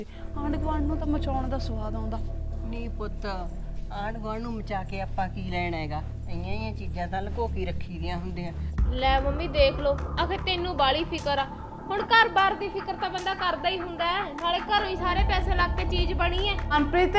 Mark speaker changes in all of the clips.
Speaker 1: ਆਂਢ ਗੁਆਂਢ ਨੂੰ ਤਾਂ ਮਚਾਉਣ ਦਾ ਸਵਾਦ ਆਉਂਦਾ।
Speaker 2: ਨਹੀਂ ਪੁੱਤ, ਆਂਢ ਗੁਆਂਢ ਨੂੰ ਮਚਾ ਕੇ ਆਪਾਂ ਕੀ ਲੈਣਾ ਹੈਗਾ? ਇੰਨੀਆਂ ਹੀ ਚੀਜ਼ਾਂ ਤਾਂ ਲੁਕੋ ਕੇ ਰੱਖੀ ਦੀਆਂ ਹੁੰਦੀਆਂ।
Speaker 3: ਲੈ ਮੰਮੀ ਦੇਖ ਲਓ, ਆਖੇ ਤੈਨੂੰ ਬਾਲੀ ਫਿਕਰ ਆ। ਹੁਣ ਘਰ-ਬਾਰ ਦੀ ਫਿਕਰ ਤਾਂ ਬੰਦਾ ਕਰਦਾ ਹੀ ਹੁੰਦਾ ਹੈ, ਨਾਲੇ ਘਰੋਂ ਹੀ ਸਾਰੇ ਪੈਸੇ ਲੱਗ ਕੇ ਚੀਜ਼ ਬਣੀ ਹੈ।
Speaker 1: ਮਨਪ੍ਰੀਤ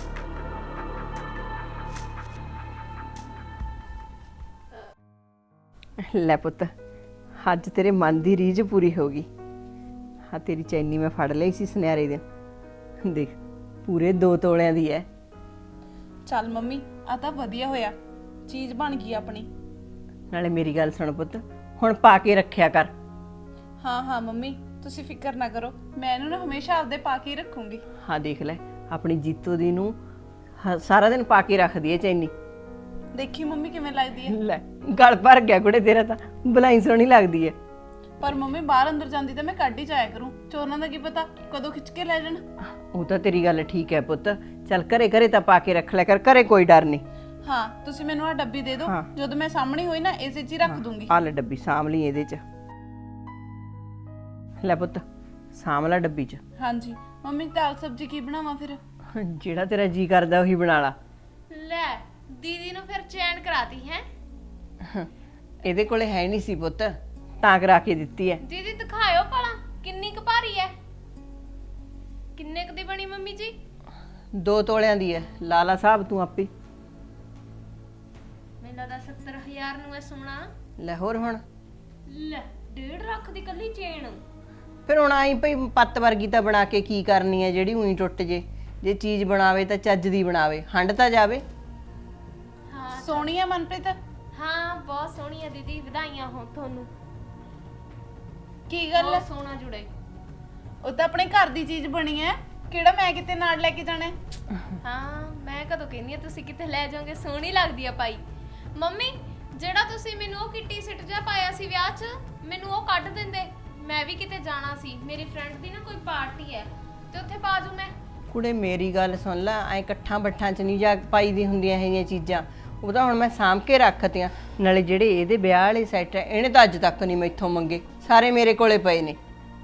Speaker 2: ਲੈ ਪੁੱਤ, ਅੱਜ ਤੇਰੇ ਮਨ ਦੀ ਰੀਝ ਪੂਰੀ ਹੋ ਗਈ। ਹਾਂ, ਤੇਰੀ ਚੈਨੀ ਮੈਂ ਫੜ ਲਈ ਸੀ ਸੁਨਿਆਰੇ ਦੇ, ਦੇਖ ਪੂਰੇ 2 ਤੋਲਿਆਂ ਦੀ ਹੈ।
Speaker 1: ਚੱਲ ਮੰਮੀ, ਆ ਤਾਂ ਵਧੀਆ ਹੋਇਆ, ਚੀਜ਼ ਬਣ ਗਈ ਆਪਣੀ।
Speaker 2: ਨਾਲੇ ਮੇਰੀ ਗੱਲ ਸੁਣ ਪੁੱਤ, ਹੁਣ ਪਾ ਕੇ ਰੱਖਿਆ ਕਰ।
Speaker 1: ਹਾਂ ਹਾਂ ਮੰਮੀ, ਤੁਸੀਂ ਫਿਕਰ ਨਾ ਕਰੋ, ਮੈਂ ਇਹਨੂੰ ਨਾ ਹਮੇਸ਼ਾ ਆਪਦੇ ਪਾ ਕੇ ਹੀ ਰੱਖੂੰਗੀ।
Speaker 2: ਹਾਂ ਦੇਖ ਲੈ, ਆਪਣੀ ਜੀਤੋ ਦੀ ਨੂੰ ਸਾਰਾ ਦਿਨ ਪਾ ਕੇ ਰੱਖਦੀ ਹੈ ਚੈਨੀ।
Speaker 1: ਦੇਖੀ ਮੰਮੀ ਕਿਵੇਂ ਲੱਗਦੀ ਹੈ।
Speaker 2: ਲੈ ਗਲ ਭਰ ਗਿਆ ਕੁੜੇ ਤੇਰਾ, ਤਾਂ ਬਲਾਈ ਸੋਹਣੀ ਲੱਗਦੀ ਹੈ।
Speaker 1: ਪਰ ਮੰਮੀ ਬਾਹਰ ਅੰਦਰ ਜਾਂਦੀ ਤਾਂ ਮੈਂ ਕੱਢ ਹੀ ਜਾਇਆ ਕਰੂੰ, ਚੋਰਾਂ ਦਾ ਕੀ ਪਤਾ ਕਦੋਂ ਖਿੱਚ ਕੇ ਲੈ ਜਾਣ।
Speaker 2: ਉਹ ਤਾਂ ਤੇਰੀ ਗੱਲ ਠੀਕ ਹੈ ਪੁੱਤ, ਚੱਲ ਘਰੇ ਘਰੇ ਤਾਂ ਪਾ ਕੇ ਰੱਖ ਲਿਆ ਕਰ, ਘਰੇ ਕੋਈ ਡਰ ਨਹੀਂ।
Speaker 1: ਹਾਂ, ਤੁਸੀਂ ਮੈਨੂੰ ਆ ਡੱਬੀ ਦੇ ਦਿਓ, ਜਦੋਂ ਮੈਂ ਸਾਹਮਣੇ ਹੋਈ ਨਾ ਇਸੇ 'ਚ ਹੀ ਰੱਖ ਦੂੰਗੀ।
Speaker 2: ਆ ਲੈ ਡੱਬੀ ਸਾਂਭ ਲਈ ਇਹਦੇ 'ਚ। ਲੈ ਪੁੱਤ ਸਾਂਭ ਲੈ ਡੱਬੀ 'ਚ।
Speaker 1: ਹਾਂਜੀ ਮੰਮੀ, ਦਾਲ ਸਬਜ਼ੀ ਕੀ ਬਣਾਵਾਂ ਫਿਰ?
Speaker 2: ਜਿਹੜਾ ਤੇਰਾ ਜੀ ਕਰਦਾ ਉਹੀ ਬਣਾ ਲਾ।
Speaker 3: ਲੈ ਦੀਦੀ ਨੂੰ ਫਿਰ ਚੈਨ ਕਰਾਤੀ ਹੈ।
Speaker 2: ਇਹਦੇ ਕੋਲੇ ਹੈ ਨਹੀਂ ਸੀ ਪੁੱਤ, ਤਾਂ ਕਰਾ ਕੇ ਦਿੱਤੀ ਹੈ।
Speaker 3: ਦੀਦੀ ਦਿਖਾਇਓ ਭਲਾ ਕਿੰਨੀ ਕੁ ਭਾਰੀ ਹੈ, ਕਿੰਨੇ ਕੁ ਦੀ ਬਣੀ ਮੰਮੀ ਜੀ?
Speaker 2: 2 ਤੋਲਿਆਂ ਦੀ ਹੈ, ਲਾਲਾ ਸਾਹਿਬ ਤੂੰ ਆਪੇ।
Speaker 3: ਮੈਨੂੰ ਲੱਗਦਾ 70,000 ਨੂੰ ਹੈ ਸੋਨਾ।
Speaker 2: ਲੈ ਹੋਰ ਹੁਣ
Speaker 3: ਲੈ 1.5 ਲੱਖ ਦੀ ਕੱਲੀ ਚੇਨ।
Speaker 2: ਫਿਰ ਹੁਣ ਆਈ ਭਈ ਪੱਤ ਵਰਗੀ ਤਾਂ ਬਣਾ ਕੇ ਕੀ ਕਰਨੀ ਹੈ ਜਿਹੜੀ ਉਹੀ ਟੁੱਟ ਜੇ? ਜੇ ਚੀਜ਼ ਬਣਾਵੇ ਤਾਂ ਚੱਜ ਦੀ ਬਣਾਵੇ, ਹੰਡ ਤਾਂ ਜਾਵੇ।
Speaker 3: ਹਾਂ
Speaker 1: ਸੋਹਣੀ ਹੈ ਮਨਪ੍ਰੀਤ।
Speaker 3: ਹਾਂ ਬਹੁਤ ਸੋਹਣੀ ਹੈ ਦੀਦੀ, ਵਧਾਈਆਂ ਹੋਣ ਤੁਹਾਨੂੰ।
Speaker 1: ਕੀ ਗੱਲ ਹੈ?
Speaker 3: ਬਹੁਤ ਸੋਹਣਾ ਜੁੜੇ।
Speaker 1: ਉਹ ਤਾਂ ਆਪਣੇ ਘਰ ਦੀ ਚੀਜ਼ ਬਣੀ ਹੈ, ਕਿਹੜਾ ਮੈਂ ਕਿਤੇ ਨਾਲ ਲੈ ਕੇ ਜਾਣਾ ਹੈ?
Speaker 3: ਹਾਂ ਮੈਂ ਕਦੋਂ ਕਹਿੰਦੀ ਆ ਤੁਸੀਂ ਕਿਤੇ ਲੈ ਜਾਓਗੇ, ਸੋਹਣੀ ਲੱਗਦੀ ਆ ਪਾਈ। ਮੰਮੀ ਜਿਹੜਾ ਤੁਸੀਂ ਮੈਨੂੰ ਉਹ ਕਿੱਟੀ ਸਿੱਟ ਜਿਹਾ ਪਾਇਆ ਸੀ ਵਿਆਹ 'ਚ, ਮੈਨੂੰ ਉਹ ਕੱਢ ਦਿੰਦੇ, ਮੈਂ ਵੀ ਕਿਤੇ ਜਾਣਾ ਸੀ, ਮੇਰੀ ਫਰੈਂਡ ਦੀ ਨਾ ਕੋਈ ਪਾਰਟੀ ਹੈ ਤੇ ਉੱਥੇ ਪਾ ਜੂ ਮੈਂ।
Speaker 2: ਕੁੜੇ ਮੇਰੀ ਗੱਲ ਸੁਣ ਲੈ, ਐ ਇਕੱਠਾਂ ਬੱਠਾਂ 'ਚ ਨਹੀਂ ਜਾ ਪਾਈ ਦੀ ਹੁੰਦੀਆਂ ਹੈਗੀਆਂ ਚੀਜ਼ਾਂ। ਉਹ ਤਾਂ ਹੁਣ ਮੈਂ ਸਾਂਭ ਕੇ ਰੱਖਤੀਆਂ। ਨਾਲੇ ਜਿਹੜੇ ਇਹਦੇ ਵਿਆਹ ਵਾਲੇ ਸੈੱਟ ਹੈ, ਇਹਨੇ ਤਾਂ ਅੱਜ ਤੱਕ ਨਹੀਂ ਮੈਥੋਂ ਮੰਗੇ, ਸਾਰੇ ਮੇਰੇ ਕੋਲੇ ਪਏ ਨੇ।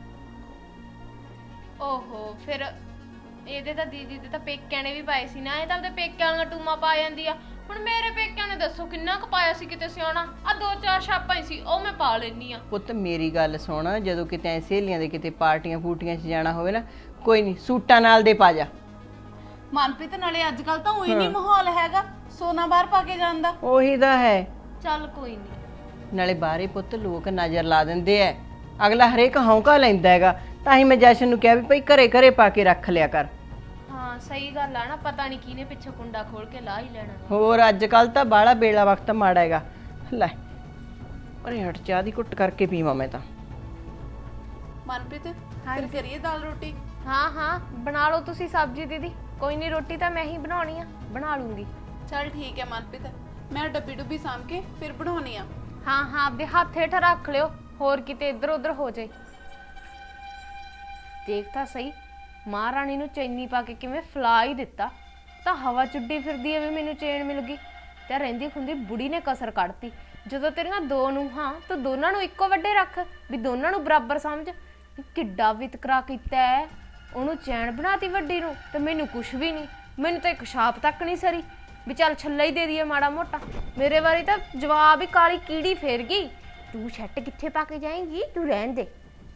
Speaker 3: ਓਹੋ, ਫਿਰ ਇਹਦੇ ਤਾਂ ਦੀਦੀ ਦੇ ਤਾਂ ਪੇਕਿਆਂ ਨੇ ਵੀ ਪਾਏ ਸੀ ਨਾ, ਇਹ ਤਾਂ ਆਪਣੇ ਪੇਕਿਆਂ ਵਾਲੀਆਂ ਟੂਮਾਂ ਪਾ ਜਾਂਦੀ ਆ। ਹੁਣ ਮੇਰੇ ਪੇਕਿਆਂ ਨੇ ਦੱਸੋ ਕਿੰਨਾ ਕੁ ਪਾਇਆ ਸੀ ਕਿਤੇ ਸਿਆਣਾ, ਆ 2-4 ਛਾਪਾਂ ਹੀ ਸੀ, ਉਹ ਮੈਂ ਪਾ ਲੈਣੀ ਆ।
Speaker 2: ਪੁੱਤ ਮੇਰੀ ਗੱਲ ਸੁਣ, ਜਦੋਂ ਕਿਤੇ ਐ ਸਹੇਲੀਆਂ ਦੇ ਕਿਤੇ ਪਾਰਟੀਆਂ ਫੂਟੀਆਂ 'ਚ ਜਾਣਾ ਹੋਵੇ ਨਾ, ਕੋਈ ਨਹੀਂ ਸੂਟਾਂ ਨਾਲ ਦੇ ਪਾ ਜਾ।
Speaker 1: ਮਨਪ੍ਰੀਤ ਨਾਲੇ ਅੱਜ ਕੱਲ ਤਾਂ ਉਹੀ ਨਹੀਂ ਮਾਹੌਲ ਹੈਗਾ ਸੋਨਾ ਬਾਹਰ ਪਾ ਕੇ ਜਾਣ ਦਾ।
Speaker 2: ਉਹੀ ਤਾਂ ਹੈ।
Speaker 3: ਚੱਲ ਕੋਈ ਨਹੀਂ।
Speaker 2: ਨਾਲੇ ਬਾਹਰੇ ਪੁੱਤ ਲੋਕ ਨਜ਼ਰ ਲਾ ਦਿੰਦੇ ਐ, ਅਗਲਾ ਹਰੇਕ ਹੌਂਕਾ ਲੈਂਦਾ ਹੈਗਾ। ਤਾਂ ਹੀ ਮੈਂ ਜਸ਼ਨ ਨੂੰ ਕਿਹਾ ਵੀ ਭਾਈ ਘਰੇ ਘਰੇ ਪਾ ਕੇ ਰੱਖ ਲਿਆ ਕਰ।
Speaker 3: ਹਾਂ ਸਹੀ ਗੱਲ ਆ ਨਾ, ਪਤਾ ਨਹੀਂ ਕਿਹਨੇ ਪਿੱਛੇ ਕੁੰਡਾ ਖੋਲ ਕੇ ਲਾ ਹੀ ਲੈਣਾ।
Speaker 2: ਹੋਰ ਅੱਜ ਕੱਲ ਤਾਂ ਬਾਹਲਾ ਬੇਲਾ ਵਕਤ ਮਾੜਾ ਹੈਗਾ। ਲੈ ਅਰੇ ਹਟ, ਚਾਹ ਦੀ ਘੁੱਟ ਕਰਕੇ ਪੀਵਾਂ ਮੈਂ ਤਾਂ।
Speaker 1: ਮਨਪ੍ਰੀਤ ਫਿਰ ਕਰੀਏ ਦਾਲ ਰੋਟੀ?
Speaker 3: ਹਾਂ ਹਾਂ ਬਣਾ ਲਓ ਤੁਸੀਂ ਸਬਜ਼ੀ ਦੀਦੀ, ਕੋਈ ਨਹੀਂ ਰੋਟੀ ਤਾਂ ਮੈਂ ਹੀ ਬਣਾਉਣੀ ਆ, ਬਣਾ ਲੂੰਗੀ।
Speaker 1: ਚੱਲ ਠੀਕ ਹੈ ਮਨਪ੍ਰੀਤ, ਮੈਂ ਡੱਬੀ ਡੁੱਬੀ ਸਾਂਭ ਕੇ ਫਿਰ ਬਣਾਉਣੀ ਆ।
Speaker 3: ਹਾਂ ਹਾਂ ਆਪਦੇ ਹੱਥ ਹੇਠ ਰੱਖ ਲਿਓ, ਹੋਰ ਕਿਤੇ ਇੱਧਰ ਉੱਧਰ ਹੋ ਜਾਏ। ਦੇਖ ਤਾਂ ਸਹੀ, ਮਹਾਰਾਣੀ ਨੂੰ ਚੈਨੀ ਪਾ ਕੇ ਕਿਵੇਂ ਫਲਾ ਹੀ ਦਿੱਤਾ। ਤਾਂ ਹਵਾ ਚੁੱਡੀ ਫਿਰਦੀ ਐ ਵੀ ਮੈਨੂੰ ਚੈਨ ਮਿਲ ਗਈ, ਤੇ ਰਹਿੰਦੀ ਖੁੰਦੀ ਬੁੜੀ ਨੇ ਕਸਰ ਕੱਢਤੀ। ਜਦੋਂ ਤੇਰੀਆਂ 2 ਨੂੰਹਾਂ ਤੂੰ ਦੋਨਾਂ ਨੂੰ ਇੱਕੋ ਵੱਡੇ ਰੱਖ, ਵੀ ਦੋਨਾਂ ਨੂੰ ਬਰਾਬਰ ਸਮਝ। ਕਿੱਡਾ ਵਿਤਕਰਾ ਕੀਤਾ ਹੈ, ਉਹਨੂੰ ਚੈਨ ਬਣਾਤੀ ਵੱਡੀ ਨੂੰ ਤੇ ਮੈਨੂੰ ਕੁਛ ਵੀ ਨਹੀਂ। ਮੈਨੂੰ ਤਾਂ ਇੱਕ ਛਾਪ ਤੱਕ ਨਹੀਂ ਸਰੀ ਵੀ ਚੱਲ ਛੱਲਾ ਹੀ ਦੇ ਦਈਏ ਮਾੜਾ ਮੋਟਾ। ਮੇਰੇ ਵਾਰੀ ਤਾਂ ਜਵਾਬ ਹੀ ਕਾਲੀ ਕੀੜੀ ਫੇਰ ਗਈ, ਤੂੰ ਛੱਟ ਕਿੱਥੇ ਪਾ ਕੇ ਜਾਏਂਗੀ, ਤੂੰ ਰਹਿਣ ਦੇ।